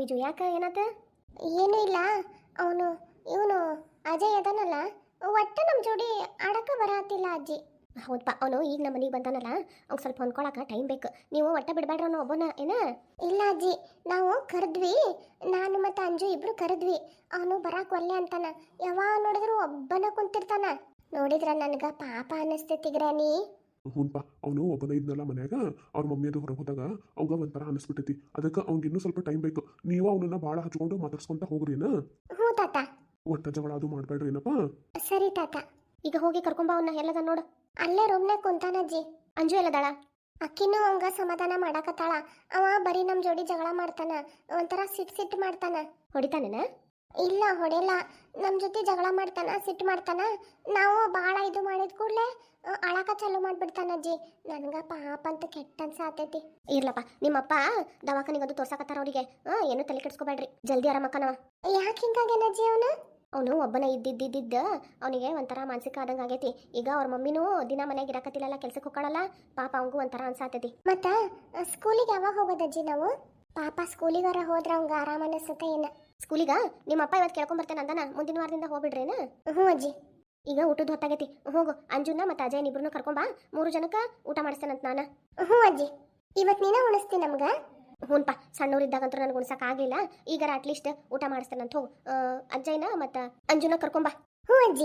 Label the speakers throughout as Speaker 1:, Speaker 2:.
Speaker 1: ತೇಜು ಯಾಕ ಏನಾತ?
Speaker 2: ಏನೂ ಇಲ್ಲ. ಅವನು ಇವನು ಅಜಯ್ ಅದನಲ್ಲ, ಒಟ್ಟು ನಮ್ಮ ಜೋಡಿ ಆಡಕ್ಕೆ ಬರತ್ತಿಲ್ಲ ಅಜ್ಜಿ.
Speaker 1: ಹೌದಪ್ಪ, ಅವನು ಈಗ ನಮ್ಮ ಮನೆಗೆ ಬಂದಾನಲ್ಲ, ಅವ್ನು ಸ್ವಲ್ಪ ಹೊಂದ್ಕೊಳಕ ಟೈಮ್ ಬೇಕು. ನೀವು ಒಟ್ಟ ಬಿಡಬೇಡ್ರ ಅವನು ಒಬ್ಬನ ಏನ?
Speaker 2: ಇಲ್ಲ ಅಜ್ಜಿ, ನಾವು ಕರೆದ್ವಿ, ನಾನು ಮತ್ತು ಅಂಜು ಇಬ್ರು ಕರೆದ್ವಿ. ಅವನು ಬರಾಕ್ ಒಲ್ಲೆ ಅಂತಾನ. ಯಾವಾಗ ನೋಡಿದ್ರು ಒಬ್ಬನ ಕುಂತಿರ್ತಾನ. ನೋಡಿದ್ರ ನನಗೆ ಪಾಪ ಅನ್ನಿಸ್ತೈತಿ ಗ್ರಾನಿ.
Speaker 3: ಹ್ಞೂನ್ಪ, ಅವನು ಒಬ್ಬನ ಇದ್ನಲ್ಲ ಮನ್ಯಾಗ, ಅವ್ರ ಮಮ್ಮಿ ಅದು ಹೊರಗೆ ಹೋದಾಗ ಅವಾಗ ಒಂಥರ ಅನಿಸ್ಬಿಟ್ಟೈತಿ. ಅದಕ್ಕೆ ಅವ್ನಿಗೆ ಇನ್ನೂ ಸ್ವಲ್ಪ ಟೈಮ್ ಬೇಕು. ನೀವು ಅವನನ್ನ ಭಾಳ ಹಚ್ಕೊಂಡು ಮಾತಾಡ್ಸ್ಕೊಂತ ಹೋಗ್ರಿ ಏನ.
Speaker 2: ಹ್ಞೂ ತಾತ.
Speaker 3: ಒಟ್ಟ ಜಗಳ ಅದು ಮಾಡಬೇಡ್ರಿ ಏನಪ್ಪ.
Speaker 2: ಸರಿ ತಾತ.
Speaker 1: ಈಗ ಹೋಗಿ ಕರ್ಕೊಂಬ ಅವನ್ನ. ಎಲ್ಲದ ನೋಡು.
Speaker 2: ಅಲ್ಲೇ ರೂಮ್ನಾಗ ಕುಂತಾನ ಅಜ್ಜಿ.
Speaker 1: ಅಂಜು ಎಲ್ಲದಾಳ?
Speaker 2: ಅಕ್ಕಿನೂ ಅವಂಗ ಸಮಾಧಾನ ಮಾಡಾಕತ್ತಾಳ. ಅವ ಬರೀ ನಮ್ಮ ಜೋಡಿ ಜಗಳ ಮಾಡ್ತಾನ, ಒಂಥರ ಸಿಟ್ಟು ಮಾಡ್ತಾನ.
Speaker 1: ಹೊಡಿತಾನೇನ?
Speaker 2: ಇಲ್ಲ ಹೊಡೆಯಲ್ಲ, ನಮ್ಮ ಜೊತೆ ಜಗಳ ಮಾಡ್ತಾನ, ಸಿಟ್ಟು ಮಾಡ್ತಾನ. ನಾವು ಭಾಳ ಇದು ಮಾಡಿದ ಕೂಡಲೇ ಅಳಕ ಚಾಲು ಮಾಡ್ಬಿಡ್ತಾನ ಅಜ್ಜಿ. ನನಗೆ ಪಾಪ ಅಂತ ಕೆಟ್ಟ ಅನ್ಸಾತೈತಿ.
Speaker 1: ಇರ್ಲಪ್ಪ, ನಿಮ್ಮಪ್ಪ ದವಾಖಾನಿಗದು ತೋರ್ಸಾಕತ್ತಾರ ಅವ್ರಿಗೆ. ಏನು ತಲೆ ಕೆಡ್ಸ್ಕೊಬೇಡ್ರಿ, ಜಲ್ದಿ ಆರಾಮಕ್ಕನವ.
Speaker 2: ಯಾಕೆ ಹಿಂಗಾಗೇನ ಅಜ್ಜಿ ಅವನು?
Speaker 1: ಅವನು ಒಬ್ಬನ ಇದ್ದಿದ್ದ ಅವನಿಗೆ ಒಂಥರ ಮಾನಸಿಕ ಆದಂಗೆ ಆಗೈತಿ. ಈಗ ಅವ್ರ ಮಮ್ಮಿನೂ ದಿನ ಮನೆಗೆ ಇರಾಕತ್ತಿಲ್ಲಲ್ಲ, ಕೆಲ್ಸಕ್ಕೆ ಹೋಗ್ಕೊಳ್ಳಲ್ಲ. ಪಾಪ ಅವಂಗೂ ಒಂಥರ ಅನ್ಸಾತೈತಿ.
Speaker 2: ಮತ್ತ ಸ್ಕೂಲಿಗೆ ಯಾವಾಗ ಹೋಗೋದಜ್ಜಿ ನಾವು? ಪಾಪ ಸ್ಕೂಲಿಗಾರ ಹೋದ್ರ ಅವಂಗ ಆರಾಮ ಅನಿಸುತ್ತೆ ಏನ?
Speaker 1: ಸ್ಕೂಲಿಗ ನಿಮ್ಮಪ್ಪ ಇವತ್ತು ಕೇಳ್ಕೊಂಬರ್ತೇನೆ ಅಂದನ. ಮುಂದಿನ ವಾರದಿಂದ ಹೋಗ್ಬಿಡ್ರೇನ?
Speaker 2: ಹ್ಞೂ ಅಜ್ಜಿ.
Speaker 1: ಈಗ ಊಟದ ಹೊತ್ತಾಗೈತಿ, ಹೋಗು. ಅಂಜುನ ಮತ್ತು ಅಜಯ್ ಇಬ್ರು ಕರ್ಕೊಂಬಾ. 3 ಜನಕ್ಕೆ ಊಟ ಮಾಡಿಸ್ತೇನಂತ ನಾನು.
Speaker 2: ಹ್ಞೂ ಅಜ್ಜಿ, ಇವತ್ತು ನೀನ ಉಣಿಸ್ತಿ ನಮ್ಗೆ?
Speaker 1: ಹ್ಞೂನ್ಪ, ಸಣ್ಣವ್ರಿದ್ದಾಗಂತೂ ನನಗೆ ಉಣ್ಸಕ್ಕೆ ಆಗಲಿಲ್ಲ. ಈಗಾರ ಅಟ್ಲೀಸ್ಟ್ ಊಟ ಮಾಡಿಸ್ತೇನಂತ. ಹೋಗು, ಅಜ್ಜಯ್ಯನ ಮತ್ತು ಅಂಜುನ ಕರ್ಕೊಂಬಾ.
Speaker 2: ಹ್ಞೂ ಅಜ್ಜಿ.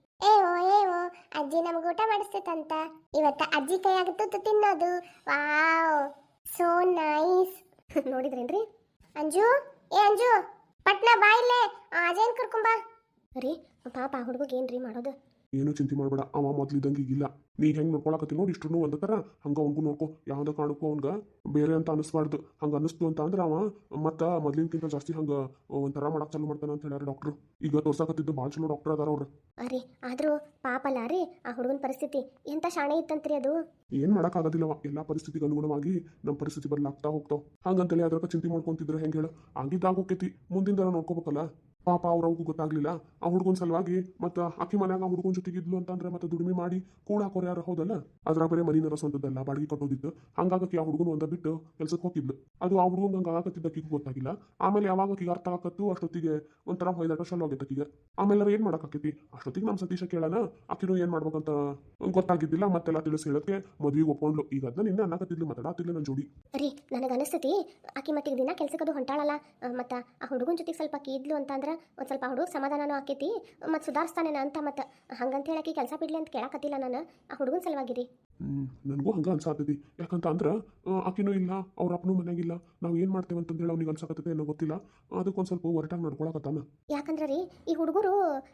Speaker 2: ಏವೋ ಅಜ್ಜಿ ನಮ್ಗೆ ಊಟ ಮಾಡಿಸ್ತೈತಂತ. ಇವತ್ತ ಅಜ್ಜಿ ಕೈಯಾಗ ತುತ್ತು ತಿನ್ನೋದು. Wow, so nice.
Speaker 1: ನೋಡಿದ್ರೇನ್ರಿ?
Speaker 2: ಅಂಜು, ಅಂಜು, ಪಟ್ನ ಬಾ ಇಲ್ಲೇ, ಅಜಯನ್ ಕರ್ಕೊಂಬಾ.
Speaker 1: ರೀ ಪಾಪ ಹುಡುಗಗೆ ಏನ್ರಿ ಮಾಡೋದು?
Speaker 3: ಏನು ಚಿಂತೆ ಮಾಡಬೇಡ, ಅವ ಮೊದ್ಲಿದ್ದಂಗೆ ಈಗಿಲ್ಲ. ನೀ ಹೆಂಗೆ ನೋಡ್ಕೊಳಕತ್ತಿ ನೋಡಿ, ಇಷ್ಟು ಒಂದ ಥರ ಹಂಗೆ ಅವ್ನಿಗೂ ನೋಡ್ಕೊ. ಯಾವುದೇ ಕಾರಣಕ್ಕೂ ಅವ್ನಿಗೆ ಬೇರೆ ಅಂತ ಅನಿಸ್ಬಾರ್ದು. ಹಂಗೆ ಅನ್ನಿಸ್ತು ಅಂತ ಅಂದ್ರೆ ಅವ ಮತ್ತು ಮೊದ್ಲಿನಕ್ಕಿಂತ ಜಾಸ್ತಿ ಹಂಗೆ ಒಂಥರ ಮಾಡಕ್ಕೆ ಚಾಲು ಮಾಡ್ತಾನೆ ಅಂತ ಹೇಳ್ಯಾರ ಡಾಕ್ಟ್ರು. ಈಗ ತೋರ್ಸಾಕತ್ತಿದ್ದು ಭಾಳ ಚಲೋ ಡಾಕ್ಟರ್ ಅದಾರ ಅವ್ರು.
Speaker 1: ಅರೆ ಆದರೂ ಪಾಪಲ್ಲ ರೀ ಆ ಹುಡುಗನ ಪರಿಸ್ಥಿತಿ. ಎಂಥ ಶಾಣೆ ಇತ್ತಂತ್ರಿ ಅದು.
Speaker 3: ಏನು ಮಾಡೋಕ್ಕಾಗೋದಿಲ್ಲವ, ಎಲ್ಲ ಪರಿಸ್ಥಿತಿಗೆ ಅನುಗುಣವಾಗಿ ನಮ್ಮ ಪರಿಸ್ಥಿತಿ ಬದಲಾಗ್ತಾ ಹೋಗ್ತಾವ. ಹಂಗಂತೇಳಿ ಅದ್ರಕ್ಕೆ ಚಿಂತೆ ಮಾಡ್ಕೊಂತಿದ್ರೆ ಹೆಂಗೆ ಹೇಳು? ಆಗಿದ್ದಾಗ ಹೋಗ್ತೈತಿ, ಮುಂದಿನ ನೋಡ್ಕೋಬೇಕಲ್ಲ. ಪಾಪ ಅವ್ರಿಗೂ ಗೊತ್ತಾಗ್ಲಿಲ್ಲ ಆ ಹುಡುಗನ ಸಲುವಾಗಿ. ಮತ್ತು ಅಕ್ಕಿ ಮನ್ಯಾಗ ಆ ಹುಡುಗನ ಜೊತೆಗಿದ್ಲು ಅಂತಂದ್ರೆ ಮತ್ತೆ ದುಡಿಮೆ ಮಾಡಿ ಕೂಡ ಹಾಕೋರು ಯಾರು ಹೌದಲ್ಲ. ಅದ್ರಾಗ ಬೇರೆ ಮನಿನರ ಸ್ವಂತದ್ದಲ್ಲ, ಬಾಡಿಗೆ ಕಟ್ಟೋದಿತ್ತು. ಹಂಗಾಗಕ್ಕೆ ಆ ಹುಡುಗನ ಒಂದ ಬಿಟ್ಟು ಕೆಲ್ಸಕ್ಕೆ ಹೋಗಿದ್ಲು. ಅದು ಆ ಹುಡುಗನ ಹಂಗೆ ಆಗತ್ತಿದ್ದಕ್ಕಿಗೂ ಗೊತ್ತಾಗಿಲ್ಲ. ಆಮೇಲೆ ಯಾವಾಗ ಆಕಿಗೆ ಅರ್ಥ ಆಗತ್ತು ಅಷ್ಟೊತ್ತಿಗೆ ಒಂಥರ ಹೊಯ್ದಾಟ ಚಾಲು ಆಗೈತೆ ಆಕಿಗೆ. ಆಮೇಲೆ ಏನು ಮಾಡೋಕ್ಕಾಕೈತಿ? ಅಷ್ಟೊತ್ತಿಗೆ ನಮ್ಮ ಸತೀಶ ಕೇಳೋಣ, ಆಕಿನೂ ಏನು ಮಾಡ್ಬೇಕಂತ ಗೊತ್ತಾಗಿದ್ದಿಲ್ಲ. ಮತ್ತೆಲ್ಲ ತಿಳಿಸಿ ಹೇಳಕ್ಕೆ ಮದುವೆಗೆ ಒಪ್ಕೊಂಡ್ಲು. ಈಗ ಅದನ್ನ ನಿನ್ನೆ ಅನ್ನಕತ್ತಿದ್ಲು, ಮಾತಾಡತ್ತಿಲ್ಲ ನನ್ನ ಜೋಡಿ.
Speaker 1: ರೀ ನನಗೆ ಅನಿಸ್ತೈತಿ ಆಕಿ ಮತ್ತಿಗೆ ದಿನ ಕೆಲ್ಸಕ್ಕದು ಹೊಂಟಾಳಲ್ಲ, ಮತ್ತು ಆ ಹುಡುಗನ ಜೊತೆಗೆ ಸ್ವಲ್ಪ ಆಕಿ ಇದ್ಲು ಅಂತಂದ್ರೆ ಒಂದು ಸ್ವಲ್ಪ ಹುಡುಗ ಸಮಾಧಾನನೂ ಆಕೈತಿ, ಮತ್ತು ಸುಧಾರಿಸ್ತಾನೇನ ಅಂತ. ಮತ್ತು ಹಂಗಂತ ಹೇಳಕ್ಕೆ ಕೆಲಸ ಬಿಡ್ಲಿ ಅಂತ ಕೇಳಕತ್ತಿಲ್ಲ ನಾನು, ಆ ಹುಡುಗನ ಸಲುವಾಗಿರಿ.
Speaker 3: ನನಗೂ ಹಂಗೆ ಅನ್ಸಾತೈತಿ. ಯಾಕಂತ ಅಂದ್ರೆ ಆಕಿನೂ ಇಲ್ಲ, ಅವ್ರ ಅಪ್ಪನೂ ಮನೆಯಾಗಿಲ್ಲ. ನಾವು ಏನು ಮಾಡ್ತೇವೆ ಅಂತಂದೇಳಿ ಅವ್ನಿಗೆ ಅನ್ಸಾಕತ್ತೈತೆ ಏನೋ ಗೊತ್ತಿಲ್ಲ. ಅದಕ್ಕೊಂದು ಸ್ವಲ್ಪ ಹೊರಟಾಗಿ ನಡ್ಕೊಳಕತ್ತಾನ.
Speaker 1: ಯಾಕಂದ್ರೆ ರೀ ಈ ಹುಡುಗರು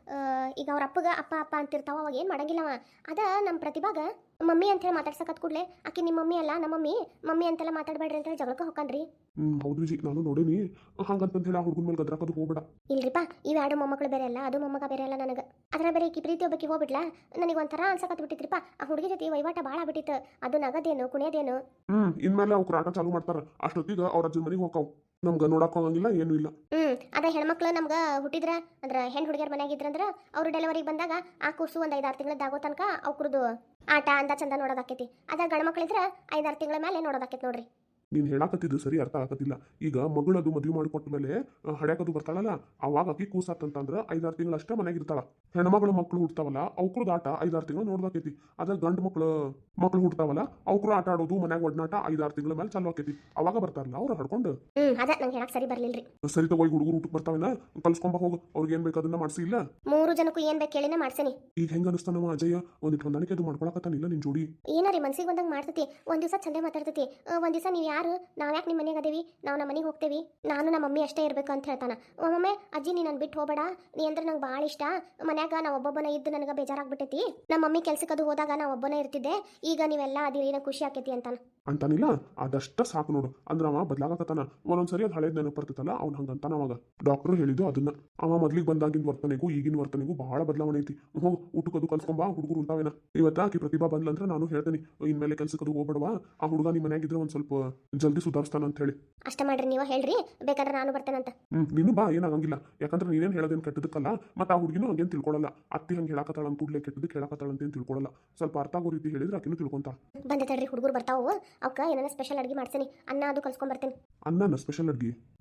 Speaker 1: ಈಗ ಅವ್ರ ಅಪ್ಪಗ ಅಪ್ಪ ಅಪ್ಪ ಅಂತಿರ್ತಾವ, ಅವಾಗ ಏನು ಮಾಡಂಗಿಲ್ಲವ. ಅದ ನಮ್ಮ ಪ್ರತಿಭಾಗ ಮಮ್ಮಿ ಅಂತ ಹೇಳಿ ಮಾತಾಡ್ಸಕತ್ ಕೂಡಲೇ ಆಕಿ ನಿಮ್ಮ ಮಮ್ಮಿ ಅಲ್ಲ ನಮ್ಮ ಮಮ್ಮಿ ಅಂತೆಲ್ಲ ಮಾತಾಡಬೇಡ್ರಿ ಅಂತ ಹೇಳಿ ಜಗಳಕ್ಕೆ ಹೋಗ್ಕನ್ರಿ.
Speaker 3: ಹೌದು ಜಿ, ನಾನು ನೋಡೀನಿ. ಹಂಗಂತಂದು ಹೇಳಿ ಆ ಹುಡುಗನ ಮೇಲೆ ಗದ್ರಾಕದು ಹೋಗ್ಬೇಡ.
Speaker 1: ಇಲ್ರಿಪ್ಪ, ಇವೆರಡು ಮೊಮ್ಮಕ್ಕಳು ಬೇರೆ ಅಲ್ಲ, ಅದು ಮೊಮ್ಮಗ ಬೇರೆ ಅಲ್ಲ ನನಗೆ. ಅದರ ಬೇರೆ ಈಕಿ ಪ್ರೀತಿ ಒಬ್ಬಕ್ಕೆ ಹೋಗ್ಬಿಡ್ಲ, ನನಗೆ ಒಂಥರ ಅನ್ಸಕತ್ ಬಿಟ್ಟಿತ್ರಿಪ್ಪ. ಆ ಹುಡುಗಿ ಜೊತೆ ವಹಿವಾಟ ಭಾಳ ಬಿಟ್ಟಿತ್ತು. ಅದು ನಗದೇನು ಕುಣಿಯೋದೇನು.
Speaker 3: ಇನ್ಮೇಲೆ ಅವ್ರು ಆಟ ಚಾಲು ಮಾಡ್ತಾರ. ಅಷ್ಟೊತ್ತಿಗೆ ಅವ್ರ ಅಜ್ಜನ ಮನೆಗೆ ಹೋಗ್ತಾವ್. ನಮ್ಗೆ ನೋಡಕ್ ಹೋಗಂಗಿಲ್ಲ, ಏನೂ ಇಲ್ಲ.
Speaker 1: ಅದ ಹೆಣ್ಮಕ್ಳು ನಮ್ಗೆ ಹುಟ್ಟಿದ್ರ ಅಂದ್ರೆ ಹೆಣ್ಣು ಹುಡುಗಿಯರ್ ಮನೆಯಾಗಿದ್ರಂದ್ರೆ ಅವ್ರು ಡೆಲಿವರಿಗೆ ಬಂದಾಗ ಆ ಕೂಸು ಒಂದು 5-6 ತಿಂಗಳದ್ದಾಗೋ ತನಕ ಅವ್ರದ್ದು ಆಟ ಅಂದ ಚಂದ ನೋಡೋದಾಕೈತಿ. ಅದ ಗಂಡು ಮಕ್ಳಿದ್ರೆ 5-6 ತಿಂಗಳ ಮೇಲೆ ನೋಡೋದಾಕೈತಿ ನೋಡ್ರಿ.
Speaker 3: ನೀನು ಹೇಳಾಕತ್ತಿದ್ದು ಸರಿ ಅರ್ಥ ಆಗತ್ತಿಲ್ಲ. ಈಗ ಮಗಳದು ಮದುವೆ ಮಾಡಿಕೊಟ್ಟ ಮೇಲೆ ಹಡ್ಯಾಕದು ಬರ್ತಾಳಲ್ಲ, ಅವಾಗ ಆಕಿ ಕೂಸಾತಂತಂದ್ರೆ 5-6 ತಿಂಗಳು ಅಷ್ಟೇ ಮನೆಗೆ ಇರ್ತಾಳ. ಹೆಣ್ಮಗಳು ಮಕ್ಕಳು ಹುಡ್ತಾವಲ್ಲ ಅವ್ರದ್ದು ಆಟ 5-6 ತಿಂಗಳು ನೋಡ್ದಾಕೈತಿ. ಅದ ಗಂಡು ಮಕ್ಕಳು ಹುಡ್ತಾವಲ್ಲ ಅವ್ರು ಆಟ ಆಡೋದು ಮನ್ಯಾಗ ಒಡನಾಟ 5-6 ತಿಂಗಳ ಮೇಲೆ ಚಾಲು ಆಕೈತಿ. ಅವಾಗ ಬರ್ತಾರಲ್ಲ ಅವ್ರು ಹಡ್ಕೊಂಡು.
Speaker 1: ಅದ ನಂಗೆ ಹೇಳಕ್ ಸರಿ ಬರ್ಲಿಲ್ರಿ.
Speaker 3: ಸರಿ ತಗೋ, ಹುಡುಗರು ಊಟಕ್ಕೆ ಬರ್ತಾವೇನ, ಕಲ್ಸ್ಕೊಂಬ ಹೋಗು. ಅವ್ರಿಗೆ ಏನ್ ಬೇಕು ಅದನ್ನ ಮಾಡಿಸಿ. ಇಲ್ಲ
Speaker 1: 3 ಜನಕ್ಕೂ ಏನ್ ಬೇಕು ಕೇಳಿನ ಮಾಡ್ಸೇನಿ.
Speaker 3: ಈಗ ಹೆಂಗ ಅನಿಸ್ತಾನವ ಅಜಯ? ಒಂದಿಟ್ಟು ಹೊಂದಾಣಿಕೆ ಅದು ಮಾಡ್ಕೊಳಕತ್ತಾನಿಲ್ಲ ನಿನ್ ಜೋಡಿ?
Speaker 1: ಏನಾರಿ ಮನ್ಸಿಗೆ ಬಂದಂಗೆ ಮಾಡ್ತೈತಿ. ಒಂದ್ ದಿವಸ ಚಂದೆ ಮಾತಾಡ್ತೈತಿ, ಒಂದ್ ದಿವಸ ನೀವು ಯಾರು, ನಾವ್ ಯಾಕೆ ನಿಮ್ಮ ಮನೆಗೆ ಅದೇವಿ, ನಾವು ನಮ್ಮ ಮನೆಗೆ ಹೋಗ್ತೇವಿ, ನಾನು ನಮ್ಮ ಮಮ್ಮಿ ಅಷ್ಟೇ ಇರ್ಬೇಕು ಅಂತ ಹೇಳ್ತಾನ. ಒಮ್ಮೊಮ್ಮೆ ಅಜ್ಜಿ ನೀ ನನ್ ಬಿಟ್ಟು ಹೋಗಬೇಡ, ನೀ ಅಂದ್ರೆ ನಂಗೆ ಭಾಳ ಇಷ್ಟ. ಮನ್ಯಾಗ ನಾ ಒಬ್ಬೊಬ್ಬನ ಇದ್ದು ನನಗೆ ಬೇಜಾರಾಗ್ಬಿಟ್ಟೈತಿ. ನಮ್ಮ ಮಮ್ಮಿ ಕೆಲ್ಸಕ್ಕೆ ಅದು ಹೋದಾಗ ನಾ ಒಬ್ಬನೇ ಇರ್ತಿದ್ದೆ, ಈಗ ನೀವೆಲ್ಲ ಅದಿರಿ, ನಂಗೆ ಖುಷಿ ಆಕೈತಿ
Speaker 3: ಅಂತಾನಿಲ್ಲ. ಅದಷ್ಟ ಸಾಕು ನೋಡು. ಅಂದ್ರೆ ಅವ ಬದಲಾಗಕತ್ತಾನ. ಒಂದೊಂದ್ಸರಿ ಅದು ಹಳೇದ್ ನೆನಪು ಬರ್ತೈತಲ್ಲ, ಅವ್ನು ಹಂಗಂತಾನ. ಅವಾಗ ಡಾಕ್ಟರ್ ಹೇಳಿದ್ದು ಅದನ್ನ. ಅವ ಮೊದ್ಲಿಗೆ ಬಂದಾಗಿನ ವರ್ತನೆಗೂ ಈಗಿನ ವರ್ತನೆಗೂ ಬಹಳ ಬದಲಾವಣೆ ಐತಿ. ಹೋಗಿ ಊಟಕ್ಕದು ಕಲ್ಸ್ಕೊಂಬ, ಹುಡುಗರು ಉಂಟಾವೇನ. ಇವತ್ತ ಆಕಿ ಪ್ರತಿಭಾ ಬಂದ್ಲಂದ್ರೆ ನಾನು ಹೇಳ್ತೇನೆ, ಇನ್ಮೇಲೆ ಕೆಲ್ಸಕ್ಕದು ಹೋಗ್ಬೇಡವಾ, ಆ ಹುಡುಗ ನಿಮ್ಮ ಮನೆಯಾಗಿದ್ರೆ ಒಂದ್ ಸ್ವಲ್ಪ ಜಲ್ದಿ ಸುಧಾರಿಸ್ತಾನ ಅಂತ ಹೇಳಿ.
Speaker 1: ಅಷ್ಟ ಮಾಡ್ರಿ, ನೀವು ಹೇಳ್ರಿ, ಬೇಕಾದ್ರೆ ನಾನು ಬರ್ತೇನಂತ.
Speaker 3: ನೀನು ಬಾ, ಏನಾಗಂಗಿಲ್ಲ. ಯಾಕಂದ್ರೆ ನೀನೇನು ಹೇಳೋದೇನು ಕೆಟ್ಟದಕ್ಕಲ್ಲ. ಮತ್ತೆ ಆ ಹುಡುಗಿನೂ ಹಂಗೇನು ತಿಳ್ಕೊಳ್ಳಲ್ಲ. ಅತ್ತಿ ಹಂಗೆ ಹೇಳಕತ್ತಾಳ ಅಂತ ಕೂಡಲೇ ಕೆಟ್ಟದಕ್ಕೆ ಹೇಳಕತ್ತಾಳ ಅಂತೇನು ತಿಳ್ಕೊಳ್ಳಲ್ಲ. ಸ್ವಲ್ಪ ಅರ್ಥ ಆಗೋ ರೀತಿ ಹೇಳಿದ್ರೆ ಆಕಿನೂ ತಿಳ್ಕೊಂತಾ.
Speaker 1: ಬಂದೆ ತಡ್ರಿ, ಹುಡುಗರು ಬರ್ತಾವು, ಅವಕ್ಕ ಏನಾರ ಸ್ಪೆಷಲ್ ಅಡ್ಗೆ ಮಾಡ್ತೀನಿ. ಅನ್ನ ಅದು ಕಲ್ಸ್ಕೊಂಡ್ ಬರ್ತೇನೆ.
Speaker 3: ಅನ್ನನ ಸ್ಪೆಷಲ್ ಅಡ್ಗೆ?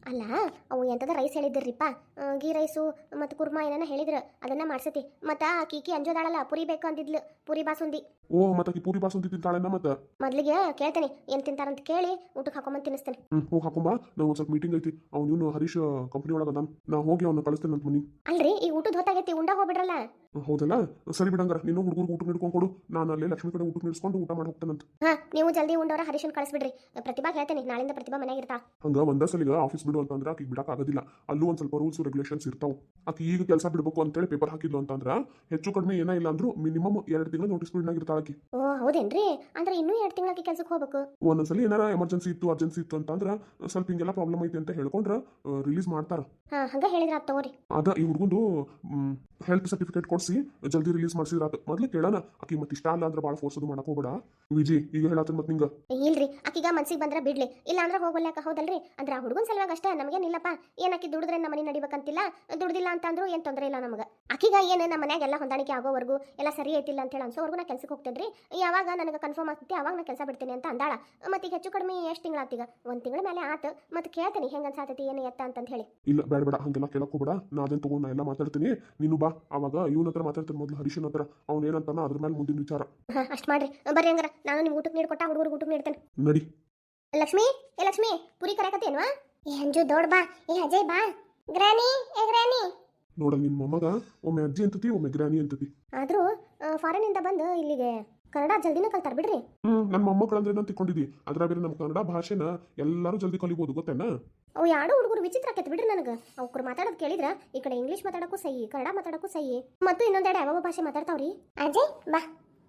Speaker 1: ಅಲ್ಲ ಅವು ಎಂಥದ ರೈಸ್ ಹೇಳಿದ್ರಿಪ್ಪ ಗೀ ರೈಸು ಮತ್ತು ಕುರ್ಮಾ ಏನಾನ ಹೇಳಿದ್ರು ಅದನ್ನ ಮಾಡ್ಸತಿ ಮತ್ತು ಆ ಕೀಕಿ ಅಂಜೋದಾಳಲ್ಲ ಪುರಿ ಬೇಕು ಅಂದಿದ್ಲು ಪುರಿ ಬಾಸುಂದಿ.
Speaker 3: ಓ ಮತ್ತೆ ಪೂರಿ ಬಾಸುಂದಿ ತಿಂತಾಳೆನ ಮತ್ತೆ
Speaker 1: ಮೊದ್ಲಿಗೆ ಕೇಳ್ತೇನೆ ಏನು ತಿಂತಾರಂತ ಕೇಳಿ ಊಟಕ್ಕೆ ಹಾಕೊಂಬಂದು ತಿನ್ನಿಸ್ತೇನೆ.
Speaker 3: ಹೋಗಿ ಹಾಕೊಂಬ. ನಾವು ಒಂದು ಸ್ವಲ್ಪ ಮೀಟಿಂಗ್ ಐತಿ. ಅವ್ನು ಇವನು ಹರೀಶ್ ಕಂಪ್ನಿ ಒಳಗೆ ಅದಾನ. ನಾ ಹೋಗಿ ಅವ್ನ ಕಳಿಸ್ತೇನೆ ಅಂತ ಮನಿ.
Speaker 1: ಅಲ್ರಿ ಈ ಊಟದ ಹೊತ್ತಾಗೈತಿ ಉಂಡ ಹೋಗ್ಬಿಡ್ರಲ್ಲ.
Speaker 3: ಹೌದಲ್ಲ, ಸರಿ ಬಿಡಂಗಾರ. ನೀನು ಹುಡುಗರು ಊಟ ಹಿಡ್ಕೊಂಡು ಕೊಡು, ನಾನು ಅಲ್ಲಿ ಲಕ್ಷ್ಮಿ ಕಡೆ ಊಟ ನಿಡ್ಸ್ಕೊಂಡು ಊಟ ಮಾಡಿ ಹೋಗ್ತೇನಂತ.
Speaker 1: ಹಾಂ ನೀವು ಜಲ್ದಿ ಉಂಡವ್ರ ಹರೀಶನ್ ಕಳಿಸ್ಬಿಡ್ರಿ. ಪ್ರತಿಭಾ ಹೇಳ್ತೇನೆ ನಾಳಿಂದ ಪ್ರತಿಭಾ ಮನೆಯಾಗ ಇರ್ತಾ.
Speaker 3: ಹಂಗ ಒಂದ ಸಲಿಗ ಆಫೀಸ್ ಬಿಡು ಅಂತಂದ್ರೆ ಆಕಿಗೆ ಬಿಡಕ್ ಆಗೋದಿಲ್ಲ. ಅಲ್ಲೂ ಒಂದು ಸ್ವಲ್ಪ ರೂಲ್ಸ್ ರೆಗ್ಯುಲೇಷನ್ಸ್ ಇರ್ತಾವ. ಆಕಿ ಈಗ ಕೆಲಸ ಬಿಡಬೇಕು ಅಂತೇಳಿ ಪೇಪರ್ ಹಾಕಿದ್ಲು ಅಂತಂದ್ರೆ ಹೆಚ್ಚು ಕಡಿಮೆ ಏನ ಇಲ್ಲ ಅಂದ್ರೂ ಮಿನಿಮಮ್ 2 ತಿಂಗಳು ನೋಟಿಸ್ ಪೀರಿಯಡ್ ಇರ್ತಾಳ ಆಕಿ.
Speaker 1: ಓ ಹೌದೇನ್ರಿ, ಅಂದ್ರೆ ಇನ್ನೂ 2 ತಿಂಗಳಾಕಿ ಕೆಲ್ಸಕ್ಕೆ ಹೋಗ್ಬೇಕು.
Speaker 3: ಒಂದೊಂದ್ಸಲಿ ಏನಾರ ಎಮರ್ಜೆನ್ಸಿ ಇತ್ತು ಅರ್ಜೆನ್ಸಿ ಇತ್ತು ಅಂತಂದ್ರೆ ಸ್ವಲ್ಪ ಹಿಂಗೆಲ್ಲ ಪ್ರಾಬ್ಲಮ್ ಐತಿ ಅಂತ ಹೇಳ್ಕೊಂಡ್ರೆ ರಿಲೀಸ್ ಮಾಡ್ತಾರ.
Speaker 1: ಹಾಂ ಹಂಗ ಹೇಳಿದ್ರ ಆತ್ ತಗೋರಿ.
Speaker 3: ಅದ ಈ ಹುಡುಗಂದು ಹೆಲ್ತ್ ಸರ್ಟಿಫಿಕೇಟ್ ಕೊಡಿಸಿ ಜಲ್ದಿ ರಿಲೀಸ್ ಮಾಡಿಸಿದ್ರ ಮೊದ್ಲು ಕೇಳೋಣ. ಆಕಿ ಮತ್ತೆ ಇಷ್ಟ ಅಲ್ಲ ಅಂದ್ರೆ ಭಾಳ ಫೋರ್ಸ್ ಅದು ಮಾಡಕ್ ಹೋಗ್ಬೇಡ ವಿಜಿ. ಈಗ ಹೇಳತ್ತ ಮತ್ತೆ ನಿಂಗ
Speaker 1: ಇಲ್ರಿ ಆಕಿಗ ಮನ್ಸಿಗೆ ಬಂದ್ರೆ ಬಿಡ್ಲಿ, ಇಲ್ಲ ಅಂದ್ರೆ ಹೋಗಲ್ಯಾಕ. ಹೌದಲ್ರಿ, ಅಂದ್ರೆ ಆ ಹುಡುಗನ ಸಲುವಾಗಿ ಅಷ್ಟೇ, ನಮಗೇನಿಲ್ಲಪ್ಪ. ಏನ್ ಆಕಿ ದುಡಿದ್ರೆ ನಮ್ಮ ಮನೆ ನಡಿಬೇಕಂತಿಲ್ಲ, ದುಡ್ದಿಲ್ಲ ಅಂತಂದ್ರು ಏನ್ ತೊಂದರೆ ಇಲ್ಲ ನಮಗೆ. ಆಕಿಗ ಏನು ನಮ್ಮ ಮನ್ಯಾಗ ಎಲ್ಲ ಹೊಂದಾಣಿಕೆ ಆಗೋವರೆಗೂ ಎಲ್ಲ ಸರಿ ಐತಿಲ್ಲ ಅಂತ ಹೇಳಿ ಅನ್ಸೋವರೆಗೂ ನಾ ಕೆಲ್ಸಕ್ಕೆ ಹೋಗ್ತೇನ್ರಿ. ಯಾವಾಗ ನನಗೆ ಕನ್ಫರ್ಮ್ ಆಗ್ತೈತಿ ಅವಾಗ ನಾ ಕೆಲಸ ಬಿಡ್ತೀನಿ ಅಂತ ಅಂದಾಳ. ಮತ್ತೆ ಈಗ ಹೆಚ್ಚು ಕಡಿಮೆ ಎಷ್ಟು ತಿಂಗಳಾತೀಗ? 1 ತಿಂಗಳ ಮೇಲೆ ಆತು. ಮತ್ತೆ ಕೇಳ್ತೀನಿ ಹೆಂಗ ಅನ್ಸಾತೈತಿ ಏನು ಎತ್ತ ಅಂತ ಹೇಳಿ.
Speaker 3: ಇಲ್ಲ ಬೇಡ ಬೇಡ ಹಂಗೆಲ್ಲ ಕೇಳಕ್ ಹೋಗ್ಬೇಡ. ನಾ ಅದನ್ನ ತಗೊಂಡು ನಾ ಎಲ್ಲ ಮಾತಾಡ್ತೀನಿ. ನೀನು ಬಾ. ಅವಾಗ ಇವನ ಹತ್ರ ಮಾತಾಡ್ತೀನಿ ಮೊದಲು, ಹರೀಶನ್ ಹತ್ರ. ಅವ್ನು ಏನಂತಾನ ಅದ್ರ ಮೇಲೆ ಮುಂದಿನ ವಿಚಾರ.
Speaker 1: ಹಾಂ ಅಷ್ಟು ಮಾಡ್ರಿ. ಬರ್ರಿ ಹಂಗಾರ ನಾನು ನಿಮ್ಗೆ ಊಟಕ್ಕೆ ನೀಡ್ಕೊಟ್ಟ ಹುಡುಗರಿಗೆ ಊಟಕ್ಕೆ ನೀಡ್ತೇನೆ.
Speaker 3: ನಡಿ.
Speaker 1: ಲಕ್ಷ್ಮಿ ಏ ಲಕ್ಷ್ಮಿ, ಪುರಿ ಕರೆಕತ್ತೇನ್ವಾ?
Speaker 2: ಏ ಅಂಜು ದೊಡ್ಡ ಬಾ. ಏ ಅಜಯ್ ಬಾ. ಗ್ರಾನಿ ಏ ಗ್ರಾನಿ.
Speaker 3: ನೋಡ ನಿನ್ ಮೊಮ್ಮಗ ಒಮ್ಮೆ ಅಜ್ಜಿ ಅಂತತಿ ಒಮ್ಮೆ ಗ್ರಾನಿ ಅಂತತಿ.
Speaker 1: ಆದರೂ ಫಾರಿನಿಂದ ಬಂದು ಇಲ್ಲಿಗೆ ಕನ್ನಡ ಜಲ್ದಿನ ಕಲ್ತಾರ ಬಿಡ್ರಿ.
Speaker 3: ನನ್ನ ಮೊಮ್ಮಕ್ಕಳಂದ್ರೆ ನಾನು ತಿಳ್ಕೊಂಡಿದ್ದಿ. ಅದ್ರ ಬೇರೆ ನಮ್ಮ ಕನ್ನಡ ಭಾಷೆನ ಎಲ್ಲರೂ ಜಲ್ದಿ ಕಲಿಬೋದು ಗೊತ್ತೇನ?
Speaker 1: ಅವು ಯಾರೋ ಹುಡುಗರು ವಿಚಿತ್ರ ಆಕೈತೆ ಬಿಡ್ರಿ ನನಗೆ. ಅವ್ರು ಮಾತಾಡೋದು ಕೇಳಿದ್ರೆ ಈ ಕಡೆ ಇಂಗ್ಲೀಷ್ ಮಾತಾಡೋಕ್ಕೂ ಸೈ, ಕನ್ನಡ ಮಾತಾಡೋಕ್ಕೂ ಸೈ, ಮತ್ತು ಇನ್ನೊಂದೆರಡು ಯಾವ ಭಾಷೆ ಮಾತಾಡ್ತಾವ್ರಿ.
Speaker 2: ಅಜಯ್ ಬಾ.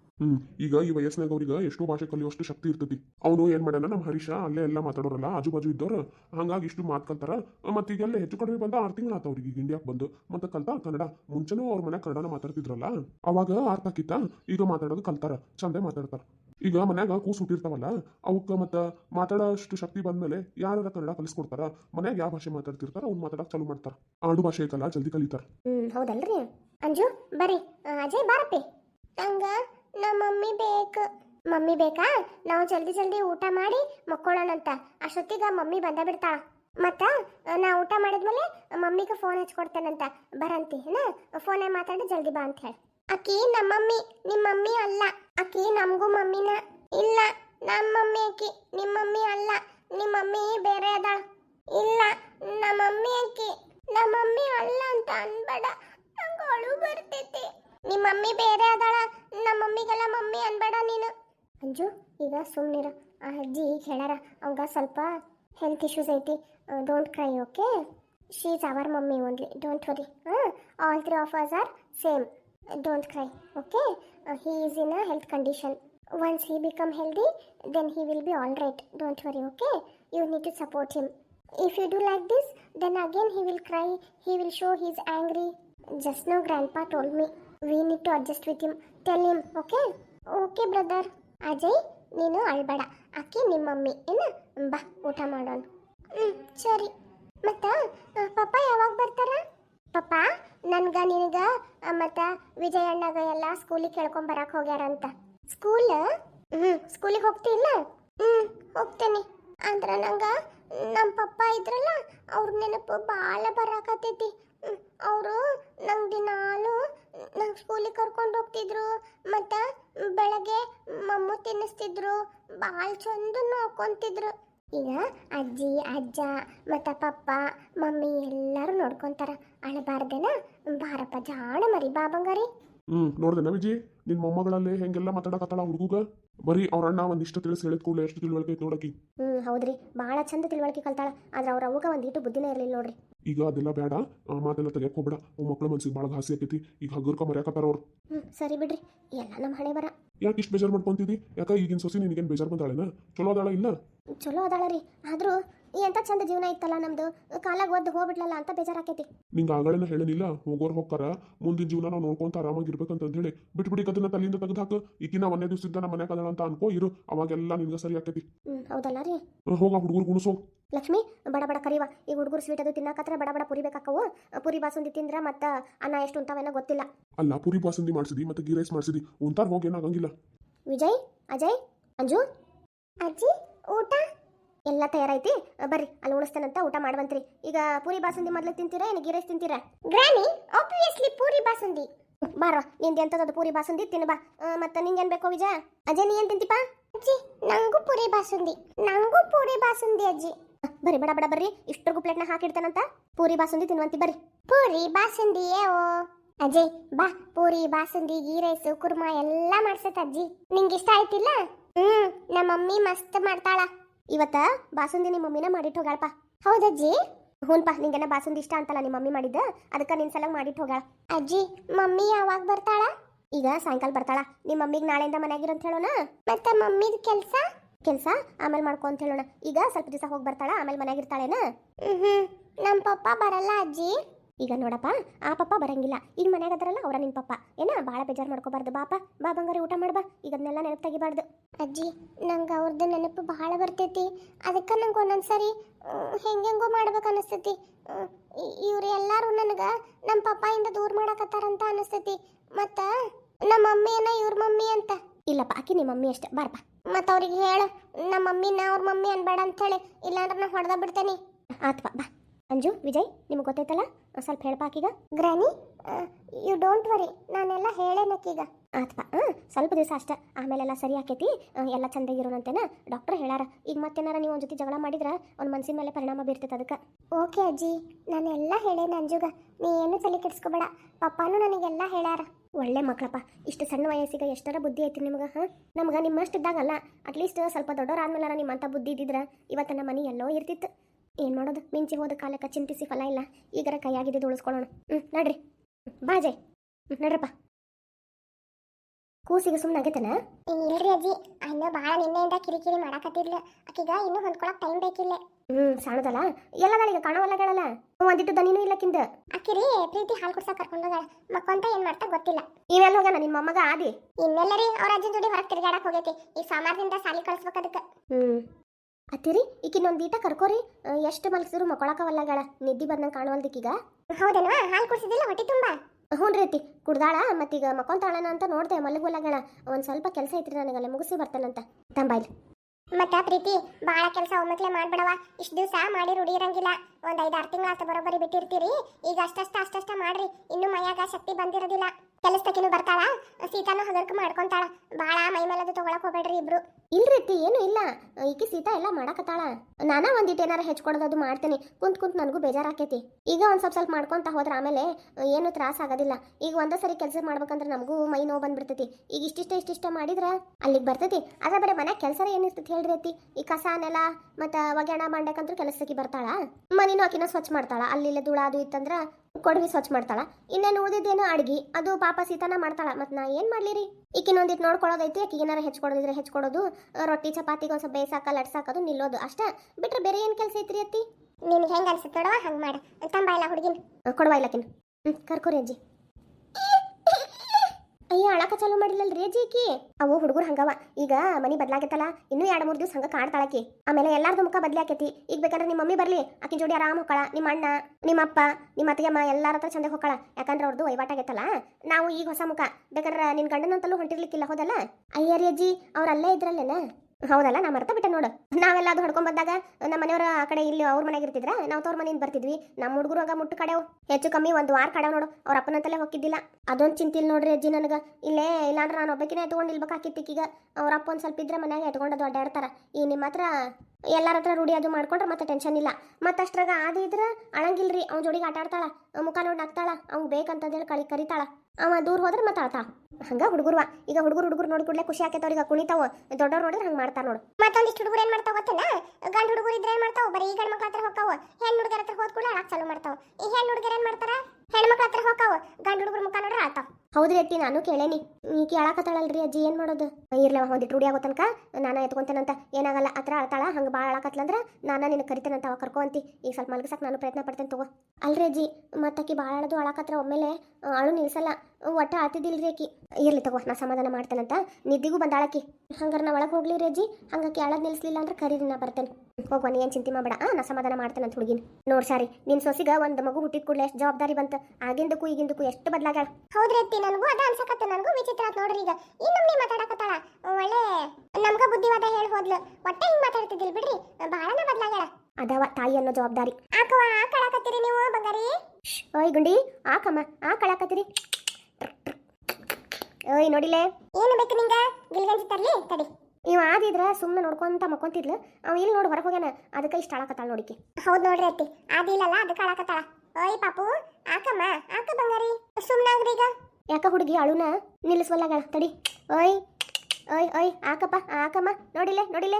Speaker 3: ಈಗ ಈ ವಯಸ್ಸಿನಾಗ ಅವ್ರಿಗೆ ಎಷ್ಟೋ ಭಾಷೆ ಕಲಿಯೋಷ್ಟು ಶಕ್ತಿ ಇರ್ತೈತಿ. ಅವನು ಏನ್ ಮಾಡ್ಯಾನ, ನಮ್ಮ ಹರೀಶ ಅಲ್ಲೇ ಎಲ್ಲ ಮಾತಾಡೋರಲ್ಲ ಆಜು ಬಾಜು ಇದ್ದವ್ರು, ಹಂಗಾಗಿ ಇಷ್ಟು ಮಾತು ಕಲ್ತಾರ. ಮತ್ತೆ ಈಗೆಲ್ಲ ಹೆಚ್ಚು ಕಡಿಮೆ ಬಂದ 6 ತಿಂಗಳು ಆತ ಅವ್ರಿಗೆ ಈಗ ಇಂಡಿಯಾಕ್ ಬಂದು. ಮತ್ತೆ ಕಲ್ತಾ ಕನ್ನಡ. ಮುಂಚೆನೂ ಅವ್ರ ಮನ್ಯಾಗ ಕನ್ನಡನ ಮಾತಾಡ್ತಿದ್ರಲ್ಲ, ಅವಾಗ ಅರ್ಥ ಆಕಿತ್ತ. ಈಗ ಮಾತಾಡೋದು ಕಲ್ತಾರ, ಚಂದೆ ಮಾತಾಡ್ತಾರ. ಈಗ ಮನ್ಯಾಗ ಕೂಸು ಹುಟ್ಟಿರ್ತಾವಲ್ಲ, ಅವಕ್ಕೆ ಮತ್ತೆ ಮಾತಾಡೋಷ್ಟು ಶಕ್ತಿ ಬಂದ್ಮೇಲೆ ಯಾರ ಕನ್ನಡ ಕಲಿಸ್ಕೊಡ್ತಾರ. ಮನ್ಯಾಗ ಯಾವ ಭಾಷೆ ಮಾತಾಡ್ತಿರ್ತಾರ ಅವ್ನು ಮಾತಾಡಕ್ ಚಾಲು ಮಾಡ್ತಾರ. ಆಡು ಭಾಷೆ ಐತಲ್ಲ ಜಲ್ದಿ ಕಲಿತಾರ.
Speaker 1: ಹೌದಲ್ರಿ
Speaker 2: ಅಂಜು ಬರ್ರಿ. ಅಜಯ್ ಬಾರಪ್ಪಿ. ನಂಗ ನಮ್ಮ ಮಮ್ಮಿ ಬೇಕು. ಮಮ್ಮಿ ಬೇಕಾ? ನಾವು ಜಲ್ದಿ ಜಲ್ದಿ ಊಟ ಮಾಡಿ ಮಕ್ಕೊಳ್ಳೋಣಂತ. ಅಷ್ಟೊತ್ತಿಗೆ ಮಮ್ಮಿ ಬಂದ ಬಿಡ್ತಾಳ. ಮತ್ತ ನಾ ಊಟ ಮಾಡಿದ್ಮೇಲೆ ಮಮ್ಮಿಗೆ ಫೋನ್ ಹಚ್ಕೊಡ್ತೇನಂತ. ಬರಂತಿ ಫೋನೇ ಮಾತಾಡಿ ಜಲ್ದಿ ಬಾ ಅಂತ ಹೇಳಿ. ಅಕ್ಕಿ ನಮ್ಮ ಮಮ್ಮಿ, ನಿಮ್ಮ ಮಮ್ಮಿ ಅಲ್ಲ. ಅಕ್ಕಿ ನಮಗೂ ಮಮ್ಮಿನ. ಇಲ್ಲ ನಮ್ಮ ಮಮ್ಮಿ ಅಕ್ಕಿ, ನಿಮ್ಮ ಮಮ್ಮಿ ಅಲ್ಲ. ನಿಮ್ಮ ಮಮ್ಮಿ ಬೇರೆ ಅದಾಳ. ಇಲ್ಲ ನಮ್ಮ ಮಮ್ಮಿ ಅಕ್ಕಿ, ನಮ್ಮ ಮಮ್ಮಿ ಅಲ್ಲ ಅಂತ ಅನ್ಬೇಡ. ನಂಗೆ ಅಳು ಬರ್ತೈತಿ. ನಿಮ್ಮ ಮಮ್ಮಿ ಬೇರೆ ಅದಾಳ, ನಮ್ಮ ಮಮ್ಮಿಗೆಲ್ಲ ಮಮ್ಮಿ ಅನ್ಬೇಡ ನೀನು. ಅಂಜು ಈಗ ಸುಮ್ಮನಿರ. ಆ ಅಜ್ಜಿ ಈಗ ಹೇಳ್ಯಾರ ಅವಂಗ ಸ್ವಲ್ಪ ಹೆಲ್ತ್ ಇಶ್ಯೂಸ್ ಐತಿ. Don't cry, okay? She is our mummy only, don't worry. All 3 of us are same. Don't cry, okay? He is in a health condition. Once he become healthy, then he will be all right. Don't worry, okay? You need to support him. If you do like this, then again he will cry. He will show he is angry. Just now grandpa told me. We need to adjust with him. Tell him, okay? Okay, brother. Ajay ನೀನು ಅಳ್ಬೇಡ. ಅಕ್ಕಿ ನಿಮ್ಮ mummy ಏನ. ಬಾ ಊಟ ಮಾಡೋಣ. ಸರಿ. ಮತ್ತ ಪಪ್ಪ ಯಾವಾಗ ಬರ್ತಾರ? ಪಪ್ಪ ನನ್ಗ ನಿನಗ ಮತ್ತ ವಿಜಯ ಅಣ್ಣಗ ಎಲ್ಲ ಸ್ಕೂಲಿಗೆ ಕೇಳ್ಕೊಂಡ್ ಬರಕ್ ಹೋಗ್ಯಾರಂತ. ಸ್ಕೂಲ್? ಸ್ಕೂಲಿಗೆ ಹೋಗ್ತಿಲ್ಲ? ಹೋಗ್ತೇನೆ. ಅಂದ್ರ ನಂಗ ನಮ್ಮ ಪಪ್ಪ ಇದ್ರಲ್ಲ ಅವ್ರ ನೆನಪು ಭಾಳ ಬರಾಕತ್ತೈತಿ. ಅವರು ನಂಗೆ ದಿನಾಲು ನಂಗೆ ಸ್ಕೂಲಿಗೆ ಕರ್ಕೊಂಡು ಹೋಗ್ತಿದ್ರು. ಮತ್ತು ಬೆಳಗ್ಗೆ ಮಮ್ಮು ತಿನ್ನಿಸ್ತಿದ್ರು. ಭಾಳ ಚಂದ ನೋಡ್ಕೊತಿದ್ರು. ಈಗ ಅಜ್ಜಿ ಅಜ್ಜ ಮತ್ತು ಪಪ್ಪ ಮಮ್ಮಿ ಎಲ್ಲರೂ ನೋಡ್ಕೊತಾರ. ಅಳಬಾರ್ದೇನ? ಬಾರಪ್ಪ ಜಾಣ ಮರಿ ಬಾ ಬಂಗಾರಿ.
Speaker 3: ನೋಡ್ದೆ ವಿಜಿ, ನಿನ್ ಮೊಮ್ಮಗಳಲ್ಲಿ ಹೆಂಗೆಲ್ಲ ಮಾತಾಡಕತ್ತಾಳ ಹುಡುಗ. ಬರೀ ಅವ್ರ ಅಣ್ಣ ಒಂದಿಷ್ಟು ತಿಳಿಸಿ ಹೇಳಿದ ಕೂಡಲೇ ಎಷ್ಟು ತಿಳುವಳಿಕೆ ಐತಿ ನೋಡಕಿ.
Speaker 1: ಹೌದ್ರಿ, ಭಾಳ ಚಂದ ತಿಳುವಳಿಕೆ ಕಲ್ತಾಳ. ಆದ್ರೆ ಅವ್ರ ಅವ್ಗ ಒಂದಿಟ್ಟು ಬುದ್ಧಿನೇ ಇರಲಿಲ್ಲ ನೋಡ್ರಿ.
Speaker 3: ಈಗ ಅದೆಲ್ಲ ಬೇಡ, ಮಾತೆಲ್ಲ ತೆಗಿಯಕ್ ಹೋಗ್ಬೇಡ. ಅವ್ ಮಕ್ಳ ಮನ್ಸಿಗೆ ಭಾಳ ಘಾಸಿ ಆಕೈತಿ. ಈಗ ಹಗ್ಗರ್ಕ ಮರ್ಯಾಕತ್ತಾರ ಅವ್ರು.
Speaker 1: ಸರಿ ಬಿಡ್ರಿ, ಎಲ್ಲ ನಮ್ಮ ಹಣೆ ಬರ.
Speaker 3: ಯಾಕೆ ಇಷ್ಟು ಬೇಜಾರು ಮಾಡ್ಕೊಂತಿದ್ದಿ? ಯಾಕ ಈಗಿನ ಸೊಸಿ ನಿನಗೇನು ಬೇಜಾರು ಬಂದಾಳೇನ? ಚಲೋ ಅದಾಳ ಇಲ್ಲ?
Speaker 1: ಚಲೋ ಅದಾಳ ರೀ. ಆದ್ರೂ ಎಂತ ಚಂದ ಜೀವನ ಇತ್ತಲ್ಲ ನಮ್ದು, ಕಾಲಾಗ ಒದ್ದು ಹೋಗ್ಬಿಡ್ಲಲ್ಲ ಅಂತ ಬೇಜಾರಾಕೈತಿ.
Speaker 3: ನಿಂಗೆ ಆಗಳೇನ ಹೇಳಿನಿಲ್ಲ, ಹೋಗೋರು ಹೋಗ್ತಾರ, ಮುಂದಿನ ಜೀವನ ನಾವು ನೋಡ್ಕೊಂತ ಆರಾಮಾಗಿರ್ಬೇಕಂತ ಹೇಳಿ ಬಿಟ್ಬಿಡಿ. ಅದನ್ನ ತಲೆಯಿಂದ ತೆಗೆದು ಹಾಕು. ಈಕಿನ ಒಂದೇ ದಿವಸದಿಂದ ನಮ್ಮ ಮನ್ಯಾಗ ಅದಾಳ ಅಂತ ಅನ್ಕೋ ಇರು. ಅವಾಗೆಲ್ಲ ನಿನ್ಗೆ ಸರಿ ಆಕೈತಿ.
Speaker 1: ಹೌದಲ್ಲ ರೀ.
Speaker 3: ಹೋಗ ಹುಡುಗರು ಗುಣಸೋ.
Speaker 1: ಲಕ್ಷ್ಮಿ ಬಡ ಬಡ ಕರಿವಾ. ಈಗ ಹುಡುಗರು ಸ್ವೀಟ್ ಅದು ತಿನ್ನಾಕತ್ರ ಬಡ ಬಡ ಪುರಿ ಬೇಕಾಕವು. ಪುರಿ ಬಾಸುಂದಿ ತಿಂದ್ರ ಮತ್ತು ಅನ್ನ ಎಷ್ಟು ಉಂಟಾವೇನೋ ಗೊತ್ತಿಲ್ಲ.
Speaker 3: ಅಲ್ಲ, ಪುರಿ ಬಾಸುಂದಿ ಮಾಡ್ಸಿದಿ ಮತ್ತೆ ಗೀ ರೈಸ್ ಮಾಡ್ಸಿದಿ, ಉಂತಾರ ಹೋಗಿ ಏನಾಗಂಗಿಲ್ಲ.
Speaker 1: ವಿಜಯ್, ಅಜಯ್, ಅಂಜು.
Speaker 2: ಅಜ್ಜಿ ಊಟ
Speaker 1: ಎಲ್ಲ ತಯಾರೈತಿ ಬರ್ರಿ ಅಲ್ಲಿ ಉಣಿಸ್ತೇನಂತ ಊಟ ಮಾಡುವಂತ್ರಿ. ಈಗ ಪೂರಿ ಬಾಸುಂದಿ ಮೊದ್ಲು ತಿಂತೀರಾ ಏನು ಗೀ ರೈಸ್ ತಿಂತೀರಾ?
Speaker 2: Granny obviously puri basundi.
Speaker 1: ಬಾರ ನಿಂದ ಎಂತದದು ಪೂರಿ ಬಾಸುಂದಿ ತಿನ್ನು ಬಾ. ಮತ್ತೆ ನಿಂಗೇನ್ ಬೇಕೋ ವಿಜಯ? ಅಜಯ್ ನೀ ಏನ್ ತಿಂತಿಪ್ಪ?
Speaker 2: ಅಜ್ಜಿ ನಂಗೂ ಪೂರಿ ಬಾಸುಂದಿ. ನಂಗೂ ಪೂರಿ ಬಾಸುಂದಿ ಅಜ್ಜಿ.
Speaker 1: ಬರ್ರಿ ಬಡ ಬಡ ಬರ್ರಿ, ಇಷ್ಟರ್ಗು ಪ್ಲೇಟ್ನ ಹಾಕಿಡ್ತಾನಂತ ಪೂರಿ ಬಾಸುಂದಿ ತಿನ್ನುವಂತಿ ಬರ್ರಿ.
Speaker 2: ಪೂರಿ ಬಾಸುಂದಿ ಓ ಅಜ್ಜಿ ಬಾ, ಪೂರಿ ಬಾಸುಂದಿ ಗೀ ರೈಸ್ ಕುರ್ಮಾ ಎಲ್ಲ ಮಾಡ್ಸತ್ ಅಜ್ಜಿ. ನಿಂಗೆ ಇಷ್ಟ ಆಯ್ತಿಲ್ಲ? ನಮ್ಮ ಮಮ್ಮಿ ಮಸ್ತ್ ಮಾಡ್ತಾಳ.
Speaker 1: ಇವತ್ತ ಬಾಸುಂದಿ ನಿಮ್ಮ ಮಮ್ಮಿನ ಮಾಡಿಟ್ಟು ಹೋಗಾಳಪ್ಪ.
Speaker 2: ಹೌದಜ್ಜಿ?
Speaker 1: ಹೂನ್ಪ, ನಿಂಗೆನ ಬಾಸುಂದಿ ಇಷ್ಟ ಅಂತಲ್ಲ ನಿಮ್ಮ ಮಮ್ಮಿ ಮಾಡಿದ್ದ, ಅದಕ್ಕೆ ನಿನ್ ಸಲ ಮಾಡಿಟ್ಟು ಹೋಗಾಳ.
Speaker 2: ಅಜ್ಜಿ ಮಮ್ಮಿ ಯಾವಾಗ ಬರ್ತಾಳ?
Speaker 1: ಈಗ ಸಾಯಂಕಾಲ ಬರ್ತಾಳ. ನಿಮ್ಮ ಮಮ್ಮಿಗೆ ನಾಳೆಯಿಂದ ಮನೆಯಾಗಿರಂತ ಹೇಳೋಣ.
Speaker 2: ಮತ್ತೆ ಮಮ್ಮಿದ
Speaker 1: ಕೆಲಸ ಆಮೇಲೆ ಮಾಡ್ಕೊ ಅಂತ ಹೇಳೋಣ. ಈಗ ಸ್ವಲ್ಪ ದಿವಸ ಹೋಗಿ ಬರ್ತಾಳ, ಆಮೇಲೆ ಮನೆಯಾಗಿರ್ತಾಳೇನ?
Speaker 2: ನಮ್ಮ ಪಪ್ಪ ಬರಲ್ಲ ಅಜ್ಜಿ.
Speaker 1: ಈಗ ನೋಡಪ್ಪ, ಆ ಪಪ್ಪ ಬರಂಗಿಲ್ಲ. ಈಗ ಮನ್ಯಾಗ ಅದರಲ್ಲ ಅವ್ರ ನಿನ್ ಪಪ್ಪ. ಏನ ಭಾಳ ಬೇಜಾರು ಮಾಡ್ಕೋಬಾರ್ದು. ಬಾಪ ಬಾ ಬಂಗಾರಿ ಊಟ ಮಾಡ್ಬಾ. ಈಗ ಅದನ್ನೆಲ್ಲ ನೆನಪು ತೆಗಿಬಾರ್ದು.
Speaker 2: ಅಜ್ಜಿ ನಂಗೆ ಅವ್ರದ್ದು ನೆನಪು ಬಹಳ ಬರ್ತೈತಿ. ಅದಕ್ಕೆ ನಂಗೆ ಒಂದೊಂದ್ಸರಿ ಹೆಂಗೆಂಗೋ ಮಾಡ್ಬೇಕು ಅನಿಸ್ತೈತಿ. ಇವ್ರು ಎಲ್ಲರೂ ನನಗೆ ನಮ್ಮ ಪಪ್ಪಾಯಿಂದ ದೂರ ಮಾಡಕತ್ತಾರಂತ ಅನಿಸ್ತೈತಿ. ಮತ್ತು ನಮ್ಮ ಮಮ್ಮಿ ಏನ ಇವ್ರ ಮಮ್ಮಿ ಅಂತ.
Speaker 1: ಇಲ್ಲಪ್ಪ, ಆಕಿ ನಿಮ್ಮ ಮಮ್ಮಿ ಅಷ್ಟೇ. ಬಾರಪ್ಪ.
Speaker 2: ಮತ್ತು ಅವ್ರಿಗೆ ಹೇಳು ನಮ್ಮ ಮಮ್ಮಿನ ಅವ್ರ ಮಮ್ಮಿ ಅನ್ಬೇಡ ಅಂತೇಳಿ, ಇಲ್ಲಾಂದ್ರೆ ನಾನು ಹೊಡೆದ ಬಿಡ್ತೇನೆ.
Speaker 1: ಆತ್ಪ ಬಾ. ಅಂಜು ವಿಜಯ್ ನಿಮ್ಗೆ ಗೊತ್ತೈತಲ್ಲ, ಸ್ವಲ್ಪ ಹೇಳ್ಪ ಆಕೀಗ.
Speaker 2: ಗ್ರಾನಿ ಯು ಡೋಂಟ್ ವರಿ, ನಾನೆಲ್ಲ ಹೇಳೇನಕ್ಕೀಗ.
Speaker 1: ಆತ್ಪ ಸ್ವಲ್ಪ ದಿವಸ ಅಷ್ಟೇ, ಆಮೇಲೆಲ್ಲ ಸರಿ ಆಕೈತಿ. ಎಲ್ಲ ಚಂದಾಗಿರೋಣಂತೇನ ಡಾಕ್ಟರ್ ಹೇಳಾರ. ಈಗ ಮತ್ತೇನಾರ ನೀವು ಒಂದು ಜೊತೆ ಜಗಳ ಮಾಡಿದ್ರೆ ಅವ್ನ ಮನಸ್ಸಿನ ಮೇಲೆ ಪರಿಣಾಮ ಬೀರ್ತೈತೆ. ಅದಕ್ಕೆ
Speaker 2: ಓಕೆ ಅಜ್ಜಿ, ನಾನೆಲ್ಲ ಹೇಳೇನ ಅಂಜುಗ, ನೀ ಏನು ತಲೆ ಕೆಡಿಸ್ಕೋಬೇಡ. ಪಪ್ಪಾನು ನನಗೆಲ್ಲ ಹೇಳಾರ.
Speaker 1: ಒಳ್ಳೆ ಮಕ್ಕಳಪ್ಪ. ಇಷ್ಟು ಸಣ್ಣ ವಯಸ್ಸಿಗೆ ಎಷ್ಟರ ಬುದ್ಧಿ ಐತಿ ನಿಮ್ಗೆ. ನಮ್ಗೆ ನಿಮ್ಮಷ್ಟು ಇದ್ದಾಗಲ್ಲ, ಅಟ್ಲೀಸ್ಟ್ ಸ್ವಲ್ಪ ದೊಡ್ಡವರಾದ್ಮೇಲೆ ನಿಮ್ಮಂಥ ಬುದ್ಧಿ ಇದ್ದಿದ್ರೆ ಇವತ್ತು ನಮ್ಮ ಮನೆ ಎಲ್ಲೋ ಇರ್ತಿತ್ತು. ಏನು ಮಾಡೋದು, ಮಿಂಚಿ ಹೋದ ಕಾಲಕ್ಕೆ ಚಿಂತಿಸಿ ಫಲ ಇಲ್ಲ. ಈಗರ ಕೈಯಾಗಿದ್ದು ಉಳಿಸ್ಕೊಳ್ಳೋಣ. ನಡ್ರಿ ಬಾಜಯ್, ನಡ್ರಪ್ಪ. ಕೂಸಿಗೆ ಸುಮ್ಮನೆ ಆಗೈತೇನ?
Speaker 2: ಇಲ್ರಿ ಅಜ್ಜಿ, ಅನ್ನ ಭಾಳ ನಿನ್ನೆಯಿಂದ ಕಿರಿಕಿರಿ ಮಾಡಾಕತ್ತಿರ್ಲ. ಆಕಿಗ ಇನ್ನೂ ಹೊಂದ್ಕೊಳಕ್ ಟೈಮ್ ಬೇಕಿಲ್ಲ.
Speaker 1: ಸಾಣದಲ್ಲ ಎಲ್ಲದಾಳ ಈಗ ಕಾಣವಲ್ಲಗಳಲ್ಲ. ಒಂದಿಟ್ಟು ದನಿನೂ ಇಲ್ಲಕ್ಕಿಂದ.
Speaker 2: ಆಕಿರಿ ಪ್ರೀತಿ ಹಾಲು ಕುಡ್ಸಕ್ ಕರ್ಕೊಂಡೋಗಾಳ. ಮಕ್ಕಂತ ಏನ್ ಮಾಡ್ತಾ ಗೊತ್ತಿಲ್ಲ.
Speaker 1: ಇವೆಲ್ಲ ಹೋಗ್ಯಾನ ನಿಮ್ಮ ಮೊಮ್ಮಗ ಆದಿ?
Speaker 2: ಇನ್ನೆಲ್ಲರಿ ಅವ್ರ ಅಜ್ಜನ ಜೋಡಿ ಹೊರಗೆ ತಿರ್ಗಾಡಕ್ ಹೋಗೈತಿ. ಈ ಸೋಮವಾರದಿಂದ ಸಾಲಿ ಕಳಿಸ್ಬೇಕು ಅದಕ್ಕೆ.
Speaker 1: ಅತ್ತಿರಿ ಈಕಿನೊಂದು ಈಟ ಕರ್ಕೋರಿ. ಎಷ್ಟು ಮಲ್ಸಿದ್ರು ಮಕ್ಕಳಕವಲ್ಲಗಳ, ನಿದ್ದಿ ಬಂದಂಗೆ ಕಾಣುವಲ್ದಿಕ್ಕೀಗ.
Speaker 2: ಹೌದೇನಾ? ಹಾಲು ಕುಡ್ಸಿದಿಲ್ಲ ಹೊಟ್ಟೆ ತುಂಬಾ?
Speaker 1: ಹ್ಞೂ ರೀತಿ ಕುಡ್ದಾಳ. ಮತ್ತೀಗ ಮಕ್ಕೊಂತಾಳನ ಅಂತ ನೋಡ್ದೆ, ಮಲಗುವಲ್ಲಗಳ. ಒಂದು ಸ್ವಲ್ಪ ಕೆಲಸ ಐತ್ರಿ ನನಗಲ್ಲೇ, ಮುಗಿಸಿ ಬರ್ತೇನಂತ. ತಂಬಾಯ್ಲಿ.
Speaker 2: ಮತ್ತ ಪ್ರೀತಿ ಭಾಳ ಕೆಲಸ ಒಮ್ಮಕ್ಲೆ ಮಾಡ್ಬಿಡವ. ಇಷ್ಟು ದಿವಸ ಮಾಡಿ ರೂಢಿ ಇರಂಗಿಲ್ಲ. ಒಂದು 5-6 ತಿಂಗಳು ಆತ ಬರೋಬ್ಬರಿ ಬಿಟ್ಟಿರ್ತೀರಿ. ಈಗ ಅಷ್ಟಷ್ಟ ಮಾಡ್ರಿ. ಇನ್ನೂ ಮೈಯಾಗ ಶಕ್ತಿ ಬಂದಿರೋದಿಲ್ಲ. ಕೆಲಸದಕ್ಕಿನೂ ಬರ್ತಾಳ. ಸೀತಾನು ಹಗರ್ಕ ಮಾಡ್ಕೊಂತಾಳ. ಭಾಳ ಮೈ ಮೇಲದು ತಗೊಳಕ್ ಹೋಗ್ಬೇಡ್ರಿ ಇಬ್ರು.
Speaker 1: ಇಲ್ರೀತಿ ಏನೂ ಇಲ್ಲ. ಈಕಿ ಸೀತಾ ಎಲ್ಲ ಮಾಡಕತ್ತಾಳ. ನಾನಾ ಒಂದಿಟ್ಟು ಏನಾರ ಹೆಚ್ಕೊಡೋದು ಮಾಡ್ತೀನಿ. ಕುಂತ್ ನನಗೂ ಬೇಜಾರಾಕೈತಿ. ಈಗ ಒಂದು ಸ್ವಲ್ಪ ಮಾಡ್ಕೊಂತ ಹೋದ್ರೆ ಆಮೇಲೆ ಏನು ತ್ರಾಸ ಆಗೋದಿಲ್ಲ. ಈಗ ಒಂದೇ ಸರಿ ಕೆಲಸ ಮಾಡ್ಬೇಕಂದ್ರೆ ನಮಗೂ ಮೈ ನೋವು ಬಂದ್ಬಿಡ್ತೈತಿ. ಈಗ ಇಷ್ಟಿಷ್ಟ ಮಾಡಿದ್ರೆ ಅಲ್ಲಿಗೆ ಬರ್ತೈತಿ. ಅದ್ರ ಬೇರೆ ಮನ್ಯಾಗ ಕೆಲಸ ಏನಿರ್ತೈತಿ ಹೇಳ್ರಿ ಅತ್ತಿ. ಈ ಕಸ ನೆಲ ಮತ್ತು ಒಗ್ಯಾಣ ಮಾಡ್ಬೇಕಂದ್ರೂ ಕೆಲಸಕ್ಕೆ ಬರ್ತಾಳ. ಮನಿನೂ ಆಕಿನ ಸ್ವಚ್ಛ ಮಾಡ್ತಾಳ. ಅಲ್ಲಿ ಧೂಳ ಅದು ಇತ್ತಂದ್ರೆ ಕೊಡವಿ ಸ್ವಚ್ಛ ಮಾಡ್ತಾಳ. ಇನ್ನೇನು ಉಳಿದಿದ್ದೇನೋ ಅಡ್ಗಿ ಅದು ಪಾಪ ಸೀತಾನ ಮಾಡ್ತಾಳ. ಮತ್ತು ನಾ ಏನು ಮಾಡ್ಲಿರಿ? ಈಕಿನೊಂದಿಟ್ಟು ನೋಡ್ಕೊಳ್ಳೋದೈತಿ. ಆಕಿಗೆ ಏನಾರ ಹೆಚ್ಕೊಡೋದಿದ್ರೆ ಹೆಚ್ಕೊಡೋದು, ರೊಟ್ಟಿ ಚಪಾತಿಗೆ ಒಂದು ಸ್ವಲ್ಪ ಬೇಯಿಸಾಕ ಲಟ್ಸಾಕೋದು, ನಿಲ್ಲೋದು ಅಷ್ಟೇ ಬಿಟ್ರೆ ಬೇರೆ ಏನು ಕೆಲಸ ಐತ್ರಿ ಅತ್ತಿ?
Speaker 2: ನಿನ್ಗೆ ಹೆಂಗೆ ಅನ್ಸುತ್ತೆ ನೋಡವ ಹಂಗೆ ಮಾಡು. ತಂಬ ಇಲ್ಲ ಹುಡುಗಿನ
Speaker 1: ಕೊಡವಾ ಇಲ್ಲಕಿನ. ಕರ್ಕೋರಿ ಅಜ್ಜಿ. ಅಯ್ಯ ಅಳಕ ಚಾಲು ಮಾಡಿಲ್ಲಲ್ರಿ ಅಜ್ಜಿ ಈಕಿ. ಅವು ಹುಡುಗರು ಹಂಗವ. ಈಗ ಮನಿ ಬದ್ಲಾಗೈತಲ್ಲ, ಇನ್ನೂ 2-3 ದಿವಸ ಹಂಗ ಕಾಡ್ತಾಳಕಿ. ಆಮೇಲೆ ಎಲ್ಲಾರ್ದು ಮುಖ ಬದ್ಲಿ ಆಕೈತಿ. ಈಗ ಬೇಕಂದ್ರೆ ನಿಮ್ಮ ಮಮ್ಮಿ ಬರ್ಲಿ, ಆಕಿನ ಜೋಡಿ ಆರಾಮ್ ಹೊಕ್ಕಳ. ನಿಮ್ಮ ಅಣ್ಣ, ನಿಮ್ಮ ಅಪ್ಪ, ನಿಮ್ಮ ಅತ್ತಿಗೆಮ್ಮ ಎಲ್ಲಾರ ಹತ್ರ ಚಂದ ಹೊಕ್ಕಳ. ಯಾಕಂದ್ರೆ ಅವ್ರದ್ದು ವಹಿವಾಟಾಗೈತಲ್ಲ. ನಾವು ಈಗ ಹೊಸ ಮುಖ. ಬೇಕಾದ್ರೆ ನಿನ್ ಗಂಡನಂತಲೂ ಹೊಂಟಿರ್ಲಿಕ್ಕಿಲ್ಲ, ಹೋದಲ್ಲ? ಅಯ್ಯರಿ ಅಜ್ಜಿ ಅವ್ರು ಅಲ್ಲೇ ಇದ್ರಲ್ಲೇನ? ಹೌದಲ್ಲ, ನಾ ಮರ್ತ ಬಿಟ್ಟೆ ನೋಡು. ನಾವೆಲ್ಲ ಅದು ಹೊಡ್ಕೊಂಡ್ ಬಂದಾಗ ನಮ್ಮ ಮನೆಯವರ ಆ ಕಡೆ ಇಲ್ಲಿ ಅವ್ರ ಮನೆಗೆ ಇರ್ತಿದ್ರ, ನಾವು ತವ್ರ ಮನೆಯಿಂದ ಬರ್ತಿದ್ವಿ. ನಮ್ಮ ಹುಡುಗರು ಆಗ ಮುಟ್ಟು ಕಡೆವು ಹೆಚ್ಚು ಕಮ್ಮಿ 1 ವಾರ ಕಡೆವು ನೋಡು. ಅವ್ರ ಅಪ್ಪನಂತಲೇ ಹೋಗಿದ್ದಿಲ್ಲ. ಅದೊಂದು ಚಿಂತಿಲ್ ನೋಡ್ರಿ ಅಜ್ಜಿ ನನಗೆ. ಇಲ್ಲೇ ಇಲ್ಲಾಂದ್ರೆ ನಾನು ಒಬ್ಬಕಿನೇ ಎತ್ಕೊಂಡು ಇಲ್ಬೇಕಾಕಿತ್ತಿಕ್ಕೀಗ. ಅವ್ರ ಅಪ್ಪ ಒಂದು ಸ್ವಲ್ಪ ಇದ್ರೆ ಮನ್ಯಾಗ ಎತ್ಕೊಂಡದು ಅಡ್ಡಾಡ್ತಾರ. ಈ ನಿಮ್ಮ ಹತ್ರ ಎಲ್ಲಾರ ಹತ್ರ ರೂಢಿ ಅದು ಮಾಡ್ಕೊಂಡ್ರೆ ಮತ್ತೆ ಟೆನ್ಷನ್ ಇಲ್ಲ. ಮತ್ತೆ ಅಷ್ಟ್ರಾಗ ಆದಿ ಇದ್ರೆ ಅಳಂಗಿಲ್ರಿ. ಅವ್ನ ಜೋಡಿಗೆ ಆಟ ಆಡ್ತಾಳ, ಮುಖ ನೋಡಿ ನಗ್ತಾಳ. ಅವ್ನು ಬೇಕಂತಂದೇಳಿ ಕರಿತಾಳ. ಅವ ದೂರ ಹೋದ್ರೆ ಮತ್ತೆ ಅಳ್ತಾಳ. ಹಂಗ ಹುಡುಗರುವ. ಈಗ ಹುಡುಗರು ನೋಡಿ ಕೂಡಲೇ ಖುಷಿ ಆಕೈತವ್ರಿಗೆ, ಕುಣಿತಾವ. ದೊಡ್ಡವ್ರು ನೋಡಿದ್ರೆ ಹಂಗೆ ಮಾಡ್ತಾರ ನೋಡು.
Speaker 2: ಮತ್ತೊಂದಿಷ್ಟು ಹುಡುಗರು ಏನ್ ಮಾಡ್ತಾವ ಗೊತ್ತೇನ? ಗಂಡು ಹುಡುಗರು ಇದ್ರೆ ಏನ್ ಮಾಡ್ತಾವ? ಬರೀ ಗಂಡು ಮಕ್ಳ ಹತ್ರ ಹೋಗ್ತಾವ. ಹೆಣ್ಣು ಹುಡುಗರ ಹತ್ರ ಹೋದ್ ಕೂಡ ಅಳಕ್ ಚಾಲು ಮಾಡ್ತಾವ. ಈ ಹೆಣ್ಣು ಹುಡುಗರು ಏನ್ ಮಾಡ್ತಾರ? ಹೆಣ್ಮಕ್ಳ ಹತ್ರ ಹೋಗ್ತಾವ. ಗಂಡು ಹುಡುಗರು ಮುಖ ನೋಡ್ರೆ ಅಳ್ತಾವ.
Speaker 1: ಹೌದ್ರಿ ಅತ್ತಿ, ನಾನು ಕೇಳೇನಿ. ಈಕಿ ಅಳಕತ್ತಾಳಲ್ರಿ ಅಜ್ಜಿ, ಏನು ಮಾಡೋದು? ಇರ್ಲವ ಒಂದಿಟ್ಟು ರೂಢಿ ಆಗೋ ತನಕ ನಾನು ಎತ್ಕೊಂತೇನಂತ. ಏನಾಗಲ್ಲ. ಹತ್ರ ಅಳ್ತಾಳ. ಹಂಗೆ ಭಾಳ ಅಳಕತ್ಲಂದ್ರೆ ನಾನು ನಿನಗೆ ಕರಿತೇನಂತ. ಅವ ಕರ್ಕೊಂತಿ. ಈಗ ಸ್ವಲ್ಪ ಮಲಗಿಸಕ್ಕೆ ನಾನು ಪ್ರಯತ್ನ ಪಡ್ತೇನೆ ತಗೋ. ಅಲ್ರಿ ಅಜ್ಜಿ, ಮತ್ತಾಕಿ ಭಾಳ ಅಳದು ಅಳಕತ್ರ ಒಮ್ಮೆಲೆ ಅಳು ನಿಲ್ಸಲ್ಲ. ಒಟ್ಟ ಆತಿದ್ದಿಲ್ರಿ ಆಕಿ. ಇರ್ಲಿ ತಗೋ, ನಾ ಸಮಾಧಾನ ಮಾಡ್ತೇನಂತ. ನಿದ್ದಿಗೂ ಬಂದಾಳಕಿ. ಹಂಗಾರೆ ನಾ ಒಳಗೆ ಹೋಗ್ಲಿ ರೀ ಅಜ್ಜಿ. ಹಂಗಾಕಿ ಅಳದ್ ನಿಲ್ಸ್ಲಿಲ್ಲ ಅಂದ್ರೆ ಕರೀರಿ, ನಾ ಬರ್ತೇನೆ. ಹೋಗುವ, ನೀ ಏನು ಚಿಂತೆ ಮಾಡಬೇಡ. ನಾ ಸಮಾಧಾನ ಮಾಡ್ತೇನಂತ ಹುಡುಗಿನ. ನೋಡ್ ಸಾರಿ, ನಿನ್ನ ಸೊಸಿಗ ಒಂದು ಮಗು ಹುಟ್ಟಿದ ಕೂಡಲೇ ಎಷ್ಟು ಜವಾಬ್ದಾರಿ ಬಂತು. ಆಗಿಂದಕ್ಕೂ ಈಗಿಂದಕ್ಕೂ ಎಷ್ಟು ಬದಲಾಗ್ಯಾಳ.
Speaker 2: ಹೌದ್ರಿ ಅತ್ತಿ, ನನಗೂ ಅದ ಅನ್ಸಕತ್ತೆ. ನನಗೂ ವಿಚಿತ್ರ ಆತ್ ನೋಡ್ರಿ. ಈಗ ಈ ನಮ್ನಿ ಮಾತಾಡಕತ್ತಾಳ. ಒಳ್ಳೆ ನಮ್ಗ ಬುದ್ಧಿ ಆಶೀರ್ವಾದ ಹೇಳಿ ಹೋದ್ಲು. ಒಟ್ಟೆ ಹಿಂಗ್ ಮಾತಾಡ್ತಿದ್ದಿಲ್ ಬಿಡ್ರಿ, ಬಹಳನ ಬದ್ಲಾಗ್ಯಾಳ.
Speaker 1: ಅದಾವ ತಾಯಿ ಅನ್ನೋ ಜವಾಬ್ದಾರಿ.
Speaker 2: ಆಕವ ಆ ಕಳಾಕತ್ತೀರಿ ನೀವು ಬಂಗಾರಿ?
Speaker 1: ಓಯ್ ಗುಂಡಿ ಆಕಮ್ಮ ಆ ಕಳಾಕತ್ತೀರಿ. ಓಯ್ ನೋಡಿಲೆ
Speaker 2: ಏನು ಬೇಕು ನಿಂಗ? ಗಿಲ್ಗಂಜಿ ತರ್ಲಿ ತಡಿ.
Speaker 1: ಇವ ಆದಿದ್ರ ಸುಮ್ಮನೆ ನೋಡ್ಕೊಂತ ಮಕ್ಕೊಂತಿದ್ಲು. ಅವ ಇಲ್ಲಿ ನೋಡಿ ಹೊರಗೆ ಹೋಗ್ಯಾನ, ಅದಕ್ಕೆ ಇಷ್ಟ ಆಳಕತ್ತಾಳ ನೋಡಿಕೆ.
Speaker 2: ಹೌದ್ ನೋಡ್ರಿ ಅತ್ತಿ, ಆದಿಲ್ಲಲ್ಲ ಅದಕ್ಕೆ ಅಳಾಕತ್ತಾಳ. ಓಯ್ ಪಾಪು ಆಕಮ್ಮ ಆಕ ಬಂಗಾರಿ, ಸುಮ್ನಾಗ್ರಿ ಈಗ.
Speaker 1: ಯಾಕ ಹುಡುಗಿ ಅಳುನ ನಿಲ್ಲಿಸ್ವಲ್ಲಾಗಳ ತಡಿ. ಓಯ್ ಓಯ್ ಓಯ್ ಆಕಪ್ಪ ಆಕಮ್ಮ ನೋಡಿಲೆ ನೋಡಿಲೆ.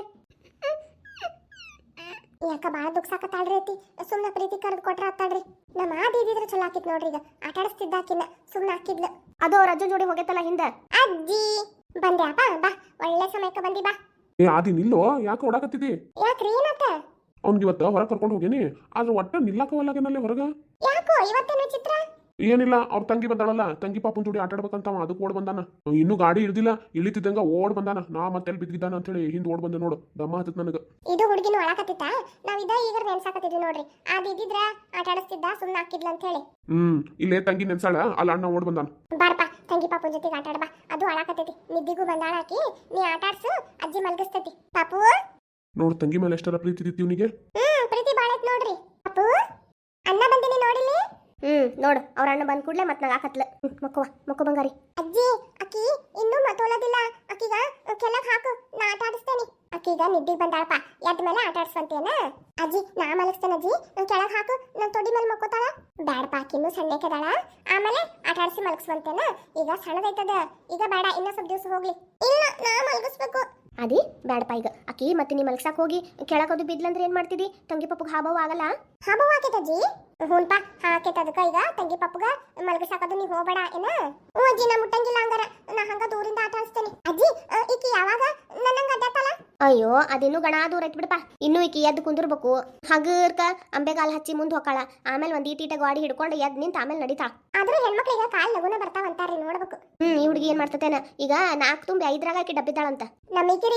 Speaker 2: ಯಾಕ ಬಾಳ ದುಃಖಸಾಕತ್ತಾಳ್ರಿ ಅತ್ತಿ, ಸುಮ್ನ ಪ್ರೀತಿ ಕರೆದು ಕೊಟ್ರ ಆತಾಳ್ರಿ. ನಮ್ಮ ಆದಿ ಇದ್ದಿದ್ರೆ ಚಲೋ ಆಕಿತ್ ನೋಡ್ರಿ, ಈಗ ಆಟ ಆಡಿಸ್ತಿದ್ದಾಕಿನ್ನ ಸುಮ್ನ ಹಾಕಿದ್ಲು.
Speaker 1: ಅದು ಅವ್ರ ಅಜ್ಜನ್ ಜೋಡಿ ಹೋಗೈತಲ್ಲ ಹಿಂದ.
Speaker 2: ಅಜ್ಜಿ ಬಂದೆ ಅಪ್ಪ, ಬಾ ಒಳ್ಳೆ ಸಮಯಕ್ಕೆ ಬಂದಿ ಬಾ.
Speaker 3: ಏ ಆದಿ ನಿಲ್ಲೋ, ಯಾಕೆ ಓಡಾಕತ್ತಿದಿ?
Speaker 2: ಯಾಕ್ರಿ ಏನಾತ?
Speaker 3: ಅವ್ನಿಗೆ ಇವತ್ತು ಹೊರಗೆ ಕರ್ಕೊಂಡು ಹೋಗೇನಿ, ಆದ್ರೆ ಒಟ್ಟ ನಿಲ್ಲಕವಲ್ಲಾಗೇನಲ್ಲಿ ಹೊರಗ.
Speaker 2: ಯಾಕೋ ಇವತ್ತೇನು ಚಿತ್ರ?
Speaker 3: ಏನಿಲ್ಲ, ಅವ್ರ ತಂಗಿ ಬಂದಾಳಲ್ಲ, ತಂಗಿ ಪಾಪನ್ ಜೋಡಿ ಆಟ ಆಡ್ಬೇಕಂತ ಅದಕ್ಕೆ ಓಡ್ ಬಂದಾನ. ಇನ್ನೂ ಗಾಡಿ ಇಳ್ದಿಲ್ಲ, ಇಳಿತಿದ್ದಂಗ ಓಡ್ ಬಂದಾನ. ನಾ ಮತ್ತೆ ಬಿದ್ದಿದ್ದಾನ ಅಂತ ಹೇಳಿ ಹಿಂದ್ ಓಡ್ ಬಂದೆ ನೋಡು, ದಮ್ಮ ಹತ್ತತ್ ನನಗ.
Speaker 2: ಇದು ಹುಡುಗಿನ ಒಳಕತ್ತಿತ್ತ, ನಾವ್ ಇದ ಈಗ ನೆನ್ಸಾಕತ್ತಿದ್ವಿ ನೋಡ್ರಿ. ಅದ್ ಇದ್ದಿದ್ರ ಆಟ ಆಡಿಸ್ತಿದ್ದ, ಸುಮ್ನ ಹಾಕಿದ್ಲ ಅಂತ ಹೇಳಿ.
Speaker 3: ಇಲ್ಲೇ ತಂಗಿ ನೆನ್ಸಾಳ, ಅಲ್ಲ ಅಣ್ಣ ಓಡ್ ಬಂದಾನ.
Speaker 2: ಬಾರಪ್ಪ ತಂಗಿ ಪಾಪುನ್ ಜೊತೆಗೆ ಆಟ ಆಡ್ಬಾ, ಅದು ಅಳಾಕತ್ತೈತಿ. ನಿದ್ದಿಗೂ ಬಂದಾಳ ಆಕಿ, ನೀ ಆಟ ಆಡ್ಸು, ಅಜ್ಜಿ ಮಲ್ಗಿಸ್ತೈತಿ. ಪಾಪು
Speaker 3: ನೋಡ್ ತಂಗಿ ಮೇಲೆ ಎಷ್ಟರ ಪ್ರೀತಿ ಇದ್ದಿತ್ತು ಇವನಿಗೆ.
Speaker 2: ಪ್ರೀತಿ ಬಾಳೈತ್ ನೋಡ್ರಿ. ಪಾಪು ಅಣ್ಣ ಬಂದಿನಿ ನೋಡಿಲಿ.
Speaker 1: ನೋಡು ಅವ್ರ ಅಣ್ಣ ಬಂದ್ ಕೂಡ್ಲೆ ಮತ್ ನಾಗ ಹಾಕತ್ಲ. ಮಕ್ಕೋ ಬಂಗಾರಿ.
Speaker 2: ಅಜ್ಜಿ ಅಕ್ಕಿ ಇನ್ನೂ ಮತ್ತೋಲದಿಲ್ಲ, ಅಕ್ಕಿಗ ಕೆಳಗ್ ಹಾಕು, ನಾ ಆಟ ಆಡಿಸ್ತೇನೆ. ಅಕ್ಕಿಗ ನಿದ್ದಿಗೆ ಬಂದಾಳಪ್ಪ, ಎದ್ದ ಮೇಲೆ ಆಟ ಆಡ್ಸ್ವಂತೇನ? ಅಜ್ಜಿ ನಾ ಮಲಗಿಸ್ತೇನೆ ಅಜ್ಜಿ, ಕೆಳಗ್ ಹಾಕು, ನನ್ ತೊಡಿ ಮೇಲೆ ಮಕ್ಕೋತಾಳ. ಬ್ಯಾಡಪ್ಪ ಅಕ್ಕಿನ್ನೂ ಸಣ್ಣಕ್ಕೆದಾಳ, ಆಮೇಲೆ ಆಟ ಆಡ್ಸಿ ಮಲಗಿಸ್ವಂತೇನ? ಈಗ ಸಣ್ಣದೈತದ, ಈಗ ಬೇಡ, ಇನ್ನೂ ಸ್ವಲ್ಪ ದಿವಸ ಹೋಗ್ಲಿ. ಇಲ್ಲ ನಾ ಮಲಗಿಸ್ಬೇಕು.
Speaker 1: ಅದಿ ಬ್ಯಾಡಪ್ಪ ಈಗ ಅಕ್ಕಿ ಮತ್ತೆ ನೀ ಮಲ್ಗ್ಸಾಕ್ ಹೋಗಿ ಕೆಳಗೋದು ಬಿದ್ಲಂದ್ರೆ ಏನ್ ಮಾಡ್ತಿದಿ? ತಂಗಿ ಪಪ್ಪಗ್ ಹಾಬವ್ ಆಗಲ್ಲ.
Speaker 2: ಹಾಬವ್ ಆಕೇತಜ್ಜಿ? ಹೂನ್ಪಾ ಹಾಕೇತ, ಅದಕ್ಕ ಈಗ ತಂಗಿ ಪಪ್ಪಗ ಮಲಗಿಸಾಕದು ನೀ ಹೋಗ್ಬೇಡ ಏನ? ಅಜ್ಜಿ ನಾ ಮುಟ್ಟಂಗಿಲ್ಲ, ಹಂಗಾರ ನಾ ಹಂಗ ದೂರಿಂದ ಆಟ ಆಡಿಸ್ತೇನೆ. ಅಜ್ಜಿ ಈಕಿ ಯಾವಾಗ ನನ್ನಂಗ ಅಡ್ಡಾತಲ್ಲ?
Speaker 1: ಅಯ್ಯೋ ಅದಿನ್ನೂ ಗಣ ದೂರ ಐತ್ ಬಿಡಪ್ಪ. ಇನ್ನೂ ಈಕಿ ಎದ್ದು ಕುಂದಿರ್ಬೇಕು, ಹಗರ್ಕ ಅಂಬೆಗಾಲ್ ಹಚ್ಚಿ ಮುಂದ್ ಹೋಗಾಳ, ಆಮೇಲೆ ಒಂದ್ ಈಟೀಟ ಗಾಡಿ ಹಿಡ್ಕೊಂಡು ಎದ್ ನಿಂತ ಆಮೇಲೆ ನಡೀತಾಳ.
Speaker 2: ಆದ್ರೂ ಹೆಣ್ಮಕ್ಳಿಗೆ ಕಾಲ್ ಲಗುನ ಬರ್ತಾವಂತಾರ್ರಿ, ನೋಡ್ಬೇಕು.
Speaker 1: ಈ ಹುಡುಗಿ ಏನ್ ಮಾಡ್ತತೇನ ಈಗ 4 ತುಂಬಿ 5ರಾಗ ಆಕಿ ಡಬ್ಬಿದ್ದಾಳಂತ.
Speaker 2: ನಮ್ಮ ಈಕಿರಿ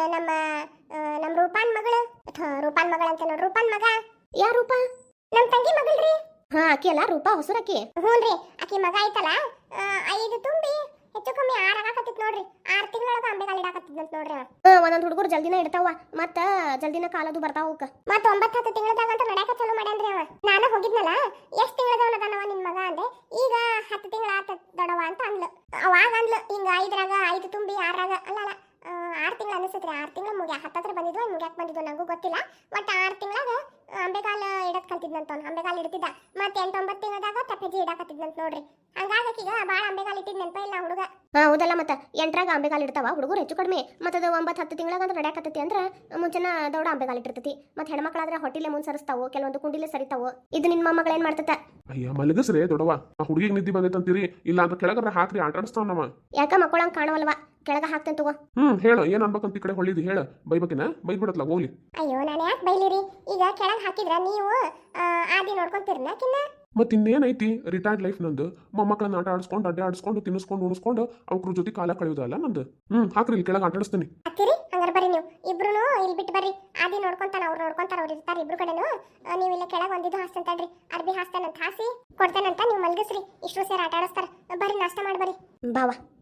Speaker 2: ನಮ್ಮ ರೂಪಾನ್ ಮಗಳು, ರೂಪಾನ್ ಮಗಳ ಅಂತ ನೋಡ್ರಿ, ರೂಪಾನ್ ಮಗ.
Speaker 1: ಯಾ ರೂಪ?
Speaker 2: ನಮ್ ತಂಗಿ ಮಗಳ್ರಿ.
Speaker 1: ಹಾ ಅಕ್ಕಿ ಅಲ್ಲ ರೂಪ, ಹೊಸರಕ್ಕಿ.
Speaker 2: ಹ್ಞೂನ್ರಿ, ಆಕಿ ಮಗ ಐತಲ್ಲ, 5 ತುಂಬಿ ಹೆಚ್ಚು ಕಮ್ಮಿ 6 ಆಗಾಕತ್ತಿತ್ ನೋಡ್ರಿ. 6 ತಿಂಗಳೊಳಗ ಅಂಬೆಗಾಲ್ ಇಡಾಕತ್ತಿದ್ನಂತ ನೋಡ್ರಿ.
Speaker 1: ಒಂದೊಂದ್ ಹುಡುಗರು ಜಲ್ದಿನ ಇಡ್ತಾವ, ಮತ್ತ ಜಲ್ದಿನ ಕಾಲದು ಬರ್ತಾವ ಅವಕ್ಕ.
Speaker 2: ಮತ್ತ 9-10 ತಿಂಗಳದಾಗ ಅಂತ ನಡ್ಯಾಕ ಚಲೋ ಮಾಡ್ಯಾನ್ರಿ ಅವ. ನಾನು ಹೋಗಿದ್ನಲ್ಲ, ಎಷ್ಟ್ ತಿಂಗಳದವನದಾನವ ನಿನ್ ಮಗ ಅಂದೆ. ಈಗ 10 ತಿಂಗಳ ಆತ ದೊಡವ ಅಂತ ಅಂದ್ಲು. ಅವಾಗ ಅಂದ್ಲು ಹಿಂಗ 5ರಾಗ 5 ತುಂಬಿ 6ರಾಗ ಅಲ್ಲ 6 ತಿಂಗಳು ಅನಿಸುತ್ರಿ. 6 ತಿಂಗಳು ಮುಗ್ಯಾ ಹತ್ತತ್ರ ಬಂದಿದ್ವು, ಮುಗ್ಯಾಕ್ ಬಂದಿದ್ವು ನಂಗೂ ಗೊತ್ತಿಲ್ಲ. ಒಟ್ಟು 6 ತಿಂಗಳಾಗ ಅಂಬೆಗಾಲ ಇಡಕ್ ಕಲ್ತಿದ್ನಂತ ಅವ್ನು, ಅಂಬೆಗಾಲ ಇಡ್ತಿದ್ದ. ಮತ್ತೆ 8-9 ತಿಂಗಳದಾಗ ತಪ್ಪೆಜಿ ಇಡಾಕತ್ತಿದ್ನಂತ ನೋಡ್ರಿ. ಹಂಗಾಗಿ ಈಗ ಬಾಳ ಅಂಬೆಗಾಲ ಇಟ್ಟಿದ್ ನೆನಪ ಇಲ್ಲ ಹುಡುಗ.
Speaker 1: ಹೌದಲ್ಲ, ಮತ್ತ 8ರಾಗ ಅಂಬೆಗಾಲ ಇಡ್ತಾವ ಹುಡುಗರು ಹೆಚ್ಚು ಕಡಿಮೆ. ಮತ್ತದ 9-10 ತಿಂಗಳಾಗ ಅಂದ್ರೆ ನಡ್ಯಾಕತ್ತೈತಿ ಅಂದ್ರ ಮುಂಚೆನ ದೌಡ ಅಂಬೆಗಾಲ ಇಟ್ಟಿರ್ತೈತಿ. ಮತ್ತೆ ಹೆಣ್ಮಕ್ಳಾದ್ರೆ ಹೊಟ್ಟಿಲೆ ಮುಂದ್ ಸರಿಸ್ತಾವು, ಕೆಲವೊಂದು ಕುಂಡಿಲೆ ಸರಿತಾವು. ಇದು ನಿನ್ ಮೊಮ್ಮಗಳು ಏನ್ ಮಾಡ್ತತ?
Speaker 3: ಅಯ್ಯ ಮಲಗಸ್ರೇ ದೊಡವ, ಆ ಹುಡುಗಿಗೆ ನಿದ್ದೆ ಬಂದೈತಂತೀರಿ, ಇಲ್ಲ ಅಂತ ಕೆಳಗರ ಹಾಕ್ರಿ, ಆಟ ಆಡಿಸ್ತಾವ ನಮ್ಮ.
Speaker 1: ಯಾಕ ಮಕ್ಕಳಂಗ್ ಕಾಣವಲ್ವಾ? ಕೆಳಗ ಹಾಕ್ತೇನೆ ತಗೋ.
Speaker 3: ಹೇಳ ಏನ್ ಅನ್ಬೇಕಂತ ಈ ಕಡೆ ಹೊಳ್ಳಿದಿ, ಹೇಳ. ಬೈಬೇಕಿನ ಬೈದ್ಬಿಡತ್ಲ ಹೋಗ್ಲಿ.
Speaker 2: ಅಯ್ಯೋ ನಾನು ಯಾಕೆ ಬೈಲಿರಿ? ಈಗ ಕೆಳಗ್ ಹಾಕಿದ್ರ ನೀವು ಆದಿ ನೋಡ್ಕೊಂತೀರನ ಕಿನ್ನ?
Speaker 3: ಮತ್ತೆ ಇನ್ನೇನೈತಿ, ರಿಟೈರ್ಡ್ ಲೈಫ್ ನಂದು. ಮೊಮ್ಮಕ್ಕಳನ್ನ ಆಟ ಆಡಿಸ್ಕೊಂಡು ಅಡ್ಡೆ ಆಡಿಸ್ಕೊಂಡು ತಿನ್ನಿಸ್ಕೊಂಡು ಉಣಿಸ್ಕೊಂಡು ಅವ್ರ ಜೊತೆ ಕಾಲ ಕಳೆಯೋದಲ್ಲ ನಂದು. ಹಾಕ್ರಿ ಇಲ್ಲಿ ಕೆಳಗೆ ಆಟ ಆಡಿಸ್ತೀನಿ.
Speaker 2: ಅತ್ತಿರಿ ಹಂಗಾರ ಬರ್ರಿ ನೀವು ಇಬ್ರು ಇಲ್ಲಿ ಬಿಟ್ಟು ಬರ್ರಿ. ಆದಿ ನೋಡ್ಕೊಂತಾನ, ಅವ್ರು ನೋಡ್ಕೊಂತಾರ, ಅವ್ರು ಇರ್ತಾರೆ ಇಬ್ರು ಕಡೆನು. ನೀವು ಇಲ್ಲ ಕೆಳಗೆ ಒಂದಿದ್ದು ಹಾಸ್ತಂತಡ್ರಿ, ಅರ್ಬಿ ಹಾಸ್ತಾನಂತ ಹಾಸಿ ಕೊಡ್ತೇನಂತ, ನೀವು ಮಲ್ಗಿಸ್ರಿ. ಇಷ್ಟು ಸೇರಿ ಆಟ ಆಡಿಸ್ತಾರ. ಬರ್ರಿ ನಾಷ್ಟ ಮಾಡಿ ಬರ್ರಿ.
Speaker 1: ಬಾವಾ